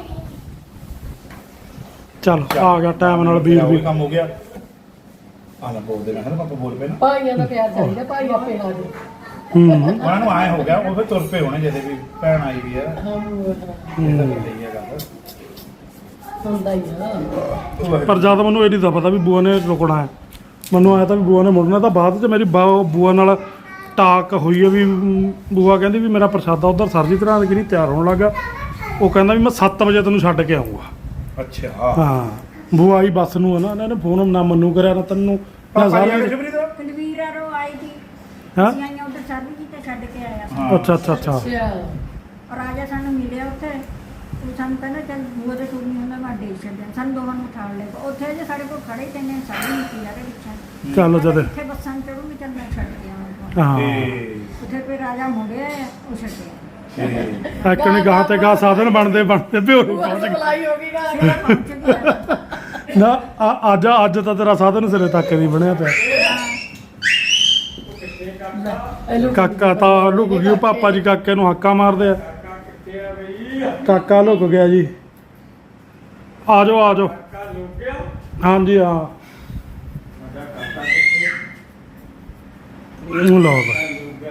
Speaker 2: ਚੱਲ ਆ ਗਿਆ ਟਾਈਮ ਨਾਲ ਵੀਰ ਵੀ।
Speaker 1: ਕੰਮ ਹੋ ਗਿਆ। ਆ ਨਾ ਬੋਲਦੇ ਮੈਂ ਪਾਪਾ ਬੋਲ ਪਏ ਨਾ।
Speaker 3: ਭਾਈਆਂ ਦਾ ਪਿਆਰ ਚਾਹੀਦਾ, ਭਾਈ ਆਪੇ ਆ ਜਾਓ।
Speaker 1: ਉਹਨਾਂ ਨੂੰ ਆਏ ਹੋ ਗਿਆ, ਉਹ ਫਿਰ ਤੁਰ ਪਏ ਹੋਣੇ ਜਿਹਦੇ ਵੀ ਭੈਣ ਆਈ ਵੀ ਆ।
Speaker 3: ਹੁੰਦਾ ਹੀ ਆ।
Speaker 2: ਪਰ ਜਦ ਮੈਨੂੰ ਇਹ ਨਹੀਂ ਤਾਂ ਪਤਾ ਵੀ ਬੂਆ ਨੇ ਰੁਕਣਾ ਹੈ। ਮੈਨੂੰ ਆਇਆ ਤਾਂ ਵੀ ਬੂਆ ਨੇ ਮੁੜਨਾ, ਤਾਂ ਬਾਅਦ 'ਚ ਮੇਰੀ ਬੂਆ ਨਾਲ ਟਾਕ ਹੋਈ ਹੈ ਵੀ ਬੂਆ ਕਹਿੰਦੀ ਵੀ ਮੇਰਾ ਪ੍ਰਸ਼ਾਦਾ ਉਧਰ ਸਰਜੀ ਤਰ੍ਹਾਂ ਕਿ ਨਹੀਂ ਤਿਆਰ ਹੋਣ ਲੱਗਾ। ਉਹ ਕਹਿੰਦਾ ਵੀ ਮੈਂ 7 ਵਜੇ ਤੈਨੂੰ ਛੱਡ ਕੇ ਆਊਂਗਾ।
Speaker 1: ਅੱਛਾ
Speaker 2: ਹਾਂ ਬੂਆ ਆਈ ਬੱਸ ਨੂੰ ਹੈ ਨਾ, ਇਹਨਾਂ ਨੇ ਫੋਨ ਨਾ ਮੈਨੂੰ ਕਰਿਆ ਨਾ ਤੈਨੂੰ ਨਾ ਸਾਰਾ।
Speaker 5: ਕੁਲਵੀਰ ਆਰੋ ਆਈ ਸੀ,
Speaker 2: ਹਾਂ
Speaker 5: ਅਸੀਂ ਆਈਆਂ ਉੱਧਰ ਸਰਬੀ ਜੀ ਤੇ ਛੱਡ ਕੇ ਆਇਆ।
Speaker 2: ਅੱਛਾ ਅੱਛਾ ਅੱਛਾ
Speaker 3: ਅੱਛਾ
Speaker 5: ਰਾਜਾ ਸਾਨੂੰ ਮਿਲਿਆ ਉੱਥੇ, ਉਹ ਸਾਨੂੰ ਕਹਿੰਦਾ ਚੱਲ ਬੂਆ ਦੇ ਸੂਟ ਨਹੀਂ ਹੁੰਦਾ, ਮੈਂ ਡੇ ਛੱਡਿਆ। ਸਾਨੂੰ ਦੋਵਾਂ ਨੂੰ ਉਠਾ ਲਿਆ। ਉੱਥੇ ਜੇ ਸਾਡੇ ਕੋਲ ਖੜੇ ਤੇ ਨੇ ਸਾਡੀ ਨਹੀਂ ਸੀ ਯਾਰ ਪਿੱਛੇ।
Speaker 2: ਚੱਲ ਜਦ
Speaker 5: ਇੱਥੇ ਬੱਸਾਂ ਚੜੂਗੀ, ਚੱਲ ਮੈਂ ਛੱਡ ਕੇ ਆਵਾਂਗਾ।
Speaker 2: ਹਾਂ
Speaker 5: ਉੱਥੇ ਕੋਈ ਰਾਜਾ ਮੁੜਿਆ, ਉਹ ਛੱਡਿਆ।
Speaker 2: ਇੱਕ ਨੇ ਗਾਹ ਤੇ ਗਾਹ ਸਾਧਨ ਬਣਦੇ ਵੀ ਉਹ
Speaker 3: ਬੂਆ ਦੀ ਸਪਲਾਈ ਹੋ ਗਈ ਗਾ।
Speaker 5: ਫਿਰ ਪਹੁੰਚ ਗਿਆ।
Speaker 2: ਨਾ ਅੱਜ ਤਾਂ ਤੇਰਾ ਸਾਧਨ ਸਿਰੇ ਤੱਕ ਨਹੀਂ ਬਣਿਆ ਪਿਆ। ਕਾਕਾ ਤਾਂ ਲੁਕ ਗਿਆ, ਪਾਪਾ ਜੀ ਕਾਕੇ ਨੂੰ ਹੱਕਾ ਮਾਰਦੇ ਆ। ਕਾਕਾ ਲੁਕ ਗਿਆ ਜੀ। ਆ ਜਾਓ ਆ ਜਾਓ। ਹਾਂਜੀ ਹਾਂ ਲਓ ਬਈ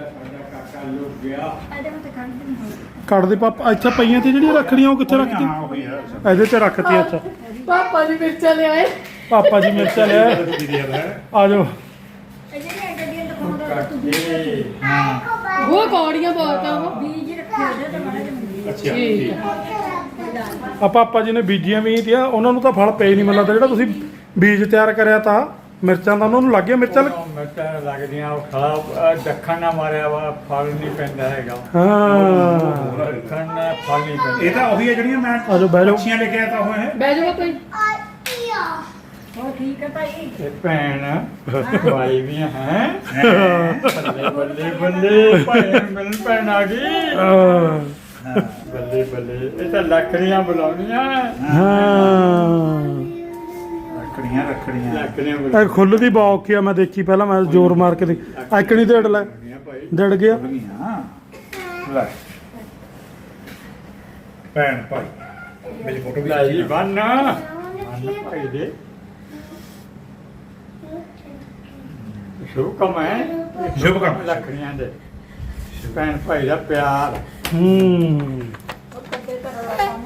Speaker 5: ਇਹਦੇ ਵਿੱਚ ਖੜ ਨਹੀਂ ਹੋਈ।
Speaker 2: ਕੱਢ ਦੇ ਪਾਪਾ। ਇੱਥੇ ਪਈਆਂ ਤੇ ਜਿਹੜੀਆਂ ਰੱਖੜੀਆਂ ਉਹ ਕਿੱਥੇ ਰੱਖਤੀ? ਇਹਦੇ 'ਚ ਰੱਖਤੀ। ਅੱਛਾ
Speaker 3: ਪਾਪਾ ਜੀ ਮਿਰਚਾਂ ਲਿਆਏ।
Speaker 2: ਪਾਪਾ ਜੀ ਮਿਰਚਾਂ ਲੈ ਆ ਜਾਓ।
Speaker 5: ਇਹ ਜਿਹੜੀਆਂ ਗੱਡੀਆਂ ਦਿਖਾਉਂਦਾ ਤੂੰ ਬੀਜ
Speaker 3: ਉਹ ਕੌੜੀਆਂ ਬਹੁਤ ਆ ਉਹ।
Speaker 5: ਬੀਜ ਰੱਖੇ ਉਹਦੇ ਤੇ ਮਾੜਾ ਜਿਹਾ
Speaker 1: ਅੱਛਾ
Speaker 3: ਠੀਕ ਆ।
Speaker 2: ਆ ਪਾਪਾ ਜੀ ਨੇ ਬੀਜੀਆਂ ਵੀ ਤੀਆਂ, ਉਹਨਾਂ ਨੂੰ ਤਾਂ ਫਲ ਪਏ ਨਹੀਂ ਮਿਲਦਾ। ਜਿਹੜਾ ਤੁਸੀਂ ਬੀਜ ਤਿਆਰ ਕਰਿਆ ਤਾਂ ਮਿਰਚਾਂ ਦਾ ਉਹਨਾਂ ਨੂੰ ਲੱਗ ਗਿਆ। ਮਿਰਚਾਂ
Speaker 7: ਮਿਰਚਾਂ ਲੱਗਦੀਆਂ, ਉਹ ਖਲਾ ਦੱਖਣ ਨਾ ਮਾਰਿਆ ਵਾ, ਫਲ ਨਹੀਂ ਪੈਂਦਾ ਹੈਗਾ।
Speaker 2: ਹਾਂ
Speaker 7: ਦੱਖਣ ਨਾਲ ਫਲ ਨਹੀਂ ਪੈਂਦਾ।
Speaker 1: ਇਹ ਤਾਂ ਉਹੀ ਹੈ ਜਿਹੜੀਆਂ ਮੈਂ
Speaker 2: ਆ ਜਾਓ ਬਹਿ ਜਾਓ।
Speaker 1: ਮੱਛੀਆਂ ਲੈ ਕੇ ਆਇਆ ਤਾਂ ਉਹ ਹੈ।
Speaker 3: ਬਹਿ ਜਾਓ ਭਾਈ।
Speaker 5: ਉਹ ਠੀਕ ਹੈ ਭਾਈ।
Speaker 7: ਤੇ ਭੈਣ ਭਾਈ ਵੀ ਹੈ। ਬੱਲੇ ਬੱਲੇ ਬੱਲੇ ਭੈਣ ਭੈਣ ਆ ਗਈ। ਬੱਲੇ ਬੱਲੇ, ਇਹ ਤਾਂ ਲੱਕੜੀਆਂ ਬੁਲਾਉਣੀਆਂ।
Speaker 2: ਹਾਂ
Speaker 1: ਰੱਖੜੀਆਂ
Speaker 7: ਲੱਕੜੀਆਂ
Speaker 2: ਇਹ ਖੁੱਲਦੀ ਬਹੁਤ ਔਖੀ ਆ। ਮੈਂ ਦੇਖੀ ਪਹਿਲਾਂ, ਮੈਂ ਜ਼ੋਰ ਮਾਰ ਕੇ ਦੇਖ ਐਕਣੀ ਢੇੜ ਲੈ
Speaker 7: ਭਾਈ।
Speaker 2: ਡੜ ਗਿਆ।
Speaker 1: ਲੈ ਭੈਣ ਭਾਈ ਮੇਰੀ ਫੋਟੋ ਵੀ
Speaker 7: ਲੈ ਜੀ ਬੰਨ ਭਾਈ ਦੇ ਸ਼ੁਭ ਕੰਮ ਹੈ।
Speaker 1: ਸ਼ੁਭ ਕੰਮ।
Speaker 7: ਲੱਕੜੀਆਂ ਦੇ ਭੈਣ ਭਾਈ ਦਾ ਪਿਆਰ।
Speaker 5: ਉਹ ਕੱਦੇ ਘਰ ਵਾਲਾ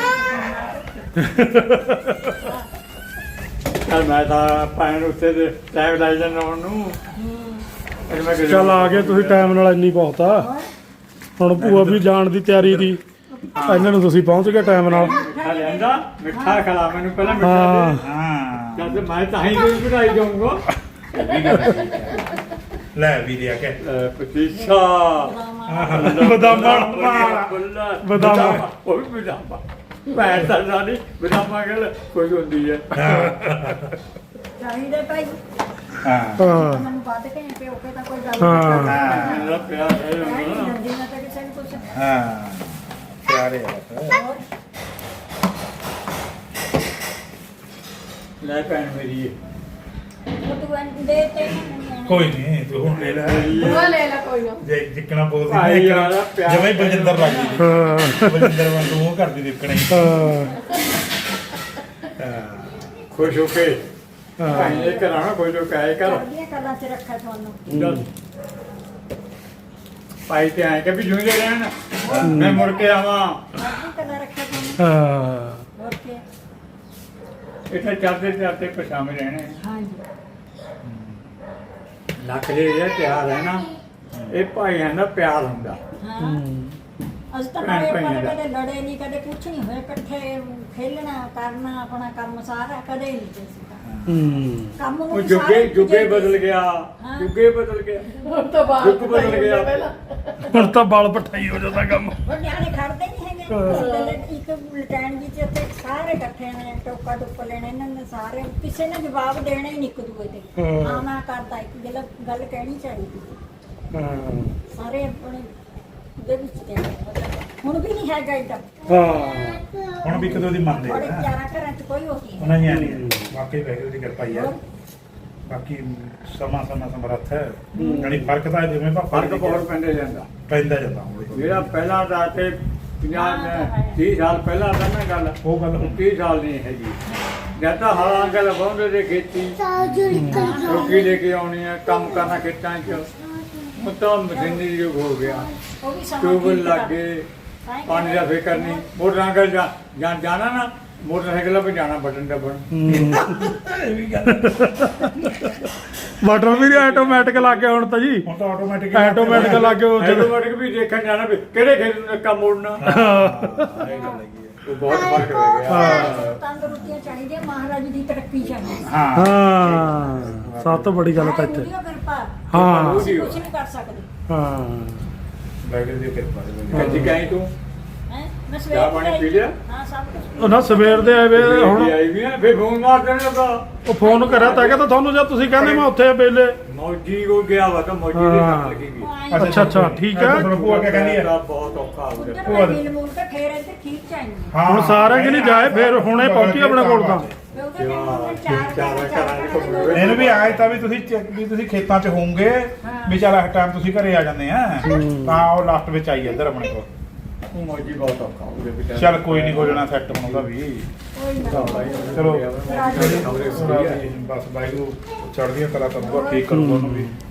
Speaker 7: ਮੈਂ ਤਾਂ ਭੈਣ ਉੱਤੇ ਦੇ ਟਾਈਮ ਲਾਈ ਜਾਂਦਾ ਉਹਨੂੰ।
Speaker 2: ਚੱਲ ਆ ਗਏ ਤੁਸੀਂ ਟਾਈਮ ਨਾਲ, ਇੰਨੀ ਬਹੁਤ ਆ। ਹੁਣ ਭੂਆ ਵੀ ਜਾਣ ਦੀ ਤਿਆਰੀ ਦੀ, ਇਹਨਾਂ ਨੂੰ ਤੁਸੀਂ ਪਹੁੰਚ ਗਏ ਟਾਈਮ ਨਾਲ।
Speaker 7: ਮਿੱਠਾ ਲਿਆਂਦਾ, ਮਿੱਠਾ ਖਿਲਾ ਮੈਨੂੰ ਪਹਿਲਾਂ ਮਿੱਠਾ
Speaker 2: ਹਾਂ
Speaker 7: ਦੇ।
Speaker 1: ਹਾਂ
Speaker 7: ਜਦ ਮੈਂ ਤਾਂ ਹੀ ਕੋਈ ਵਧਾਈ ਦਊਂਗਾ।
Speaker 1: ਲੈ ਵੀ ਲਿਆ ਕੇ
Speaker 7: ਪਤੀਸਾ
Speaker 2: ਬਦਾਮਾਂ
Speaker 7: ਬਦਾਮਾ, ਉਹ ਵੀ ਬਦਾਮਾ। ਭੈਣ ਤਾਂ ਸਾਡੀ ਬਦਾਮਾ ਗੱਲ ਕੋਈ ਹੁੰਦੀ ਹੈ।
Speaker 5: ਚਾਹੀਦੇ ਭਾਈ।
Speaker 1: ਹਾਂ
Speaker 2: ਹਾਂ
Speaker 5: ਮੈਨੂੰ ਵੱਧ ਕੇ ਪਿਓ ਕੇ ਤਾਂ ਕੋਈ ਗੱਲ
Speaker 2: ਹਾਂ।
Speaker 5: ਨਹੀਂ
Speaker 7: ਮੇਰਾ ਪਿਆਰ ਹੈ
Speaker 5: ਕਰਦੀ। ਨੰਦੀ ਨਾ ਤਾਂ ਕਿਸੇ ਨੂੰ ਕੁਛ
Speaker 1: ਹਾਂ ਪਿਆਰੇ ਆ।
Speaker 7: ਲੈ ਭੈਣ ਮੇਰੀ।
Speaker 5: ਉਹ ਤੂੰ ਦੇ ਤੇ
Speaker 1: ਕੋਈ ਨਹੀਂ ਤੂੰ ਹੁਣ ਲੈ ਲੈ
Speaker 3: ਬੂਆ ਲੈ ਲੈ ਕੋਈ ਨਾ।
Speaker 1: ਜੇ ਜਿੱਕਣਾ ਬੋਲਦੀ
Speaker 7: ਭਾਈ ਯਾਰ, ਪਿਆਰ
Speaker 1: ਜਿਵੇਂ ਬਲਜਿੰਦਰ ਲੱਗ ਗਈ
Speaker 2: ਹਾਂ
Speaker 1: ਬਲਜਿੰਦਰ ਵਾਂਗੂ ਉਹ ਕਰਦੀ ਦੇਖਣਾ ਹੀ।
Speaker 2: ਹਾਂ
Speaker 7: ਖੁਸ਼ ਹੋ ਕੇ ਭੈਣ ਇਹ ਕਰਾਣਾ ਕੋਈ ਜੋ ਕਹੇ ਕਰ।
Speaker 5: ਕਰਦੀਆਂ ਕਲਾਂ ਚ ਰੱਖਿਆ ਤੁਹਾਨੂੰ।
Speaker 7: ਚੱਲ। ਭਾਈ ਤੇ ਆਏ ਕਿ ਵੀ ਜੁੰਦੇ ਰਹਿਣ, ਮੈਂ ਮੁੜ ਕੇ ਆਵਾਂ।
Speaker 5: ਕਰਦੀ ਕਲਾਂ ਰੱਖਿਆ ਤੁਹਾਨੂੰ।
Speaker 2: ਹਾਂ
Speaker 5: ਹੋਰ ਕੀ।
Speaker 7: ਇੱਥੇ ਚੜਦੇ ਚੜਦੇ ਪਛਾਵੇਂ ਰਹਿਣੇ।
Speaker 5: ਹਾਂਜੀ
Speaker 7: ਲੱਖ ਦੇ ਜਿਹੜਾ ਪਿਆਰ ਹੈ ਨਾ, ਇਹ ਭਾਈਆਂ ਦਾ ਪਿਆਰ ਹੁੰਦਾ।
Speaker 5: ਹਾਂ ਅਸੀਂ ਤਾਂ
Speaker 7: ਭੈਣ
Speaker 5: ਬੜੇ
Speaker 7: ਭਾਈਆਂ ਦਾ।
Speaker 5: ਕਦੇ ਲੜੇ ਨਹੀਂ, ਕਦੇ ਕੁਛ ਨਹੀਂ ਹੋਇਆ। ਇਕੱਠੇ ਖੇਲਣਾ ਕਰਨਾ, ਆਪਣਾ ਕੰਮ ਸਾਰਾ ਕਦੇ ਨਹੀਂ ਸੀ। ਕੰਮ ਨੂੰ
Speaker 7: ਉਹ
Speaker 5: ਵੀ
Speaker 7: ਜੁਗੇ
Speaker 5: ਸਾਰੇ
Speaker 7: ਜੁਗੇ
Speaker 5: ਦੂਜੇ
Speaker 7: ਬਦਲ ਗਿਆ,
Speaker 5: ਹਾਂ।
Speaker 7: ਜੁਗੇ ਬਦਲ ਗਿਆ।
Speaker 3: ਹੁਣ ਤਾਂ ਬਾਹਰ
Speaker 7: ਯੁੱਗ ਬਦਲ ਗਿਆ।
Speaker 3: ਪਹਿਲਾਂ
Speaker 2: ਹੁਣ ਤਾਂ ਬਲ ਪਠਾਈ ਹੋ ਜਾਂਦਾ ਕੰਮ।
Speaker 5: ਹੁਣ ਨਿਆਣੇ ਖੜਦੇ ਨਹੀਂ ਹੈਗੇ। ਇੱਕ ਲਟੈਣ ਜੀ ਚ ਉੱਥੇ ਸਾਰੇ ਇਕੱਠੇ ਨੇ, ਟੋਕਾ ਟੁੱਪ ਲੈਣੇ ਇਹਨਾਂ ਨੇ ਸਾਰੇ। ਕਿਸੇ ਨੇ ਜਵਾਬ ਦੇਣਾ ਹੀ ਨਹੀਂ ਇੱਕ ਦੂਏ ਤੇ।
Speaker 2: ਹਾਂ।
Speaker 5: ਹਾਂ ਮੈਂ ਕਰਦਾ, ਇੱਕ ਗੱਲ ਕਹਿਣੀ ਚਾਹੀਦੀ।
Speaker 2: ਹਾਂ
Speaker 5: ਸਾਰੇ ਆਪਣੇ ਦੇ ਵਿੱਚ ਦੇਣੇ। ਹੁਣ ਵੀ ਨਹੀਂ ਹੈਗਾ ਇੱਦਾਂ।
Speaker 2: ਹਾਂ
Speaker 1: ਹੁਣ ਵੀ ਕਦੋਂ ਦੀ ਮੰਨਦੇ
Speaker 5: ਬੜੇ
Speaker 1: ਆ
Speaker 5: ਪਿਆਰਾ ਘਰਾਂ ਚ ਕੋਈ ਹੋ ਨਹੀਂ।
Speaker 1: ਉਹਨਾਂ ਹੀ ਨਹੀਂ ਵਾਕਈ ਵੈਗਰੂ ਦੀ ਕਿਰਪਾ ਹੀ ਆ। ਬਾਕੀ ਸਮਾਂ ਸਮਰੱਥ ਹੈ ਯਾਨੀ ਫਰਕ ਤਾਂ ਜਿਵੇਂ ਪਾਪਾ
Speaker 7: ਫਰਕ ਬਹੁਤ ਪੈਂਦਾ ਜਾਂਦਾ
Speaker 1: ਪੈਂਦਾ ਜਾਂਦਾ ਹੌਲੀ-ਹੌਲੀ।
Speaker 7: ਜਿਹੜਾ ਪਹਿਲਾਂ ਦਾ ਤੇ 30 ਸਾਲ ਪਹਿਲਾਂ ਦਾ ਨਾ ਗੱਲ
Speaker 1: ਉਹ ਗੱਲ ਹੁਣ
Speaker 7: 30 ਸਾਲ ਨਹੀਂ ਹੈਗੀ ਜਦ ਤਾਂ ਹਲਾਂ ਗੱਲ ਵਾਉਂਦੇ ਤੇ ਖੇਤੀ
Speaker 6: ਸਾਜੂ ਨਿਕਲ
Speaker 7: ਰੋਟੀ ਲੈ ਕੇ ਆਉਣੀ ਹੈ ਕੰਮ ਕਰਨਾ ਖੇਤਾਂ 'ਚ ਹੁਣ ਤਾਂ ਮਸ਼ੀਨੀ ਯੁੱਗ ਹੋ ਗਿਆ
Speaker 4: ਉਹ ਵੀ ਸਮਾਂ
Speaker 7: ਟਿਊਬਲ
Speaker 4: ਠੀਕ
Speaker 7: ਲੱਗ
Speaker 4: ਕਰ-
Speaker 7: ਗਏ
Speaker 4: ਤਾਂ ਹੀ
Speaker 7: ਪਾਣੀ ਦਾ ਫਿਕਰ ਨਹੀਂ ਮੋਟਰਾਂ ਕਰ ਜਾਣਾ ਨਾ ਮੋਟਰਸਾਈਕਲ 'ਤੇ ਜਾਣਾ ਬਟਨ ਦੱਬਣ
Speaker 2: ਵਾਟਰ ਵੀ ਆਟੋਮੈਟਿਕ ਲੱਗ ਗਿਆ ਹੁਣ ਤਾਂ ਜੀ
Speaker 1: ਹੁਣ ਤਾਂ ਆਟੋਮੈਟਿਕ
Speaker 2: ਆਟੋਮੈਟਿਕ ਲੱਗ ਗਿਆ ਉਹ ਜਦੋਂ
Speaker 7: ਆਟੋਮੈਟਿਕ ਵੀ ਦੇਖਣ ਜਾਣਾ ਵੀ ਕਿਹੜੇ ਖੇਤ ਨੂੰ ਨੱਕਾ ਮੋੜਨਾ ਉਹ ਬਹੁਤ ਫਰਕ ਹੋ ਗਿਆ
Speaker 5: ਤੰਦਰੁਸਤੀਆਂ ਚਾਹੀਦੀਆਂ ਮਹਾਰਾਜ ਦੀ ਤਰੱਕੀ ਚਾਹੀਦੀ
Speaker 1: ਹਾਂ
Speaker 2: ਹਾਂ ਸਭ ਤੋਂ ਵੱਡੀ ਗੱਲ ਤਾਂ ਇੱਥੇ
Speaker 5: ਉਹਦੀ ਕਿਰਪਾ
Speaker 2: ਹਾਂ
Speaker 5: ਕੁਝ ਨਹੀਂ ਕਰ ਸਕਦੇ
Speaker 2: ਹਾਂ
Speaker 1: ਵਾਹਿਗੁਰੂ ਦੀ ਕਿਰਪਾ ਦੇ ਬੰਦੇ
Speaker 7: ਕੱਜੀ ਕਾਈ ਤੂੰ
Speaker 4: ਹੈਂ? ਮੈਂ
Speaker 7: ਚਾਹ ਪਾਣੀ ਪੀ ਲਿਆ
Speaker 4: ਹਾਂ ਸਭ ਕੁਝ
Speaker 2: ਉਹ ਨਾ ਸਵੇਰ ਦੇ ਆਏ ਵੇ ਹੁਣ
Speaker 7: ਆਈ ਵੀ ਆ ਫੇ ਫੋਨ ਮਾਰ ਦੇਣ ਲੱਗਾ
Speaker 2: ਉਹ ਫੋਨ ਕਰਿਆ ਤਾਂ ਕਹਿੰਦਾ ਤੁਹਾਨੂੰ ਜਦ ਤੁਸੀਂ ਕਹਿੰਦੇ ਮੈਂ ਉੱਥੇ ਵੇਲੇ
Speaker 7: ਮੌਜੀ ਹੋ ਗਿਆ ਵਾ ਤਾਂ ਮੌਜੀ ਦੀ ਕੰਮ ਲੱਗੀ ਗਈ
Speaker 2: ਅੱਛਾ ਠੀਕ ਹੈ
Speaker 1: ਤੁਹਾਨੂੰ ਭੂਆ ਕਿਆ ਕਹਿੰਦੀ ਹੈ
Speaker 7: ਤਾਂ ਬਹੁਤ ਔਖਾ ਹੋ ਗਿਆ
Speaker 5: ਉਧਰ ਮਿਲ ਮੂਲ ਕੇ ਫੇਰ ਇੱਥੇ ਠੀਕ ਚਾਹੀਦੀ
Speaker 1: ਹਾਂ
Speaker 2: ਹੁਣ ਸਾਰਿਆਂ ਕਿ ਨਹੀਂ ਜਾਏ ਫਿਰ ਹੁਣੇ ਪਹੁੰਚੀ ਆਪਣੇ ਕੋਲ ਤਾਂ
Speaker 5: ਉਹਦੇ ਨਾਲ ਚਾਰ
Speaker 1: ਇਹਨੂੰ ਵੀ ਆਏ ਤਾਂ ਵੀ ਤੁਸੀਂ ਖੇਤਾਂ 'ਚ ਹੋਵੋਗੇ ਵੀ ਚੱਲ ਇਸ ਟਾਈਮ ਤੁਸੀਂ ਘਰੇ ਆ ਜਾਂਦੇ ਆ ਤਾਂ ਉਹ ਲਾਸਟ ਵਿੱਚ ਆਈ ਇੱਧਰ ਆਪਣੇ ਕੋਲ
Speaker 7: ਉਹ ਮੌਜੀ ਬਹੁਤ ਔਖਾ ਹੋ ਗਿਆ ਬੇਟਾ
Speaker 1: ਚੱਲ ਕੋਈ ਨਹੀਂ ਹੋ ਜਾਣਾ ਸੈੱਟ ਬਣਾਉਂਦਾ ਵੀ ਚਲੋ
Speaker 7: ਖਬਰੇ
Speaker 1: ਬਸ ਵਾਹਿਗੁਰੂ ਚੜ੍ਹਦੀਆਂ ਕਲਾ ਤਾਂ ਬਹੁਤ ਠੀਕ ਕਰੂਗਾ ਉਹਨੂੰ ਵੀ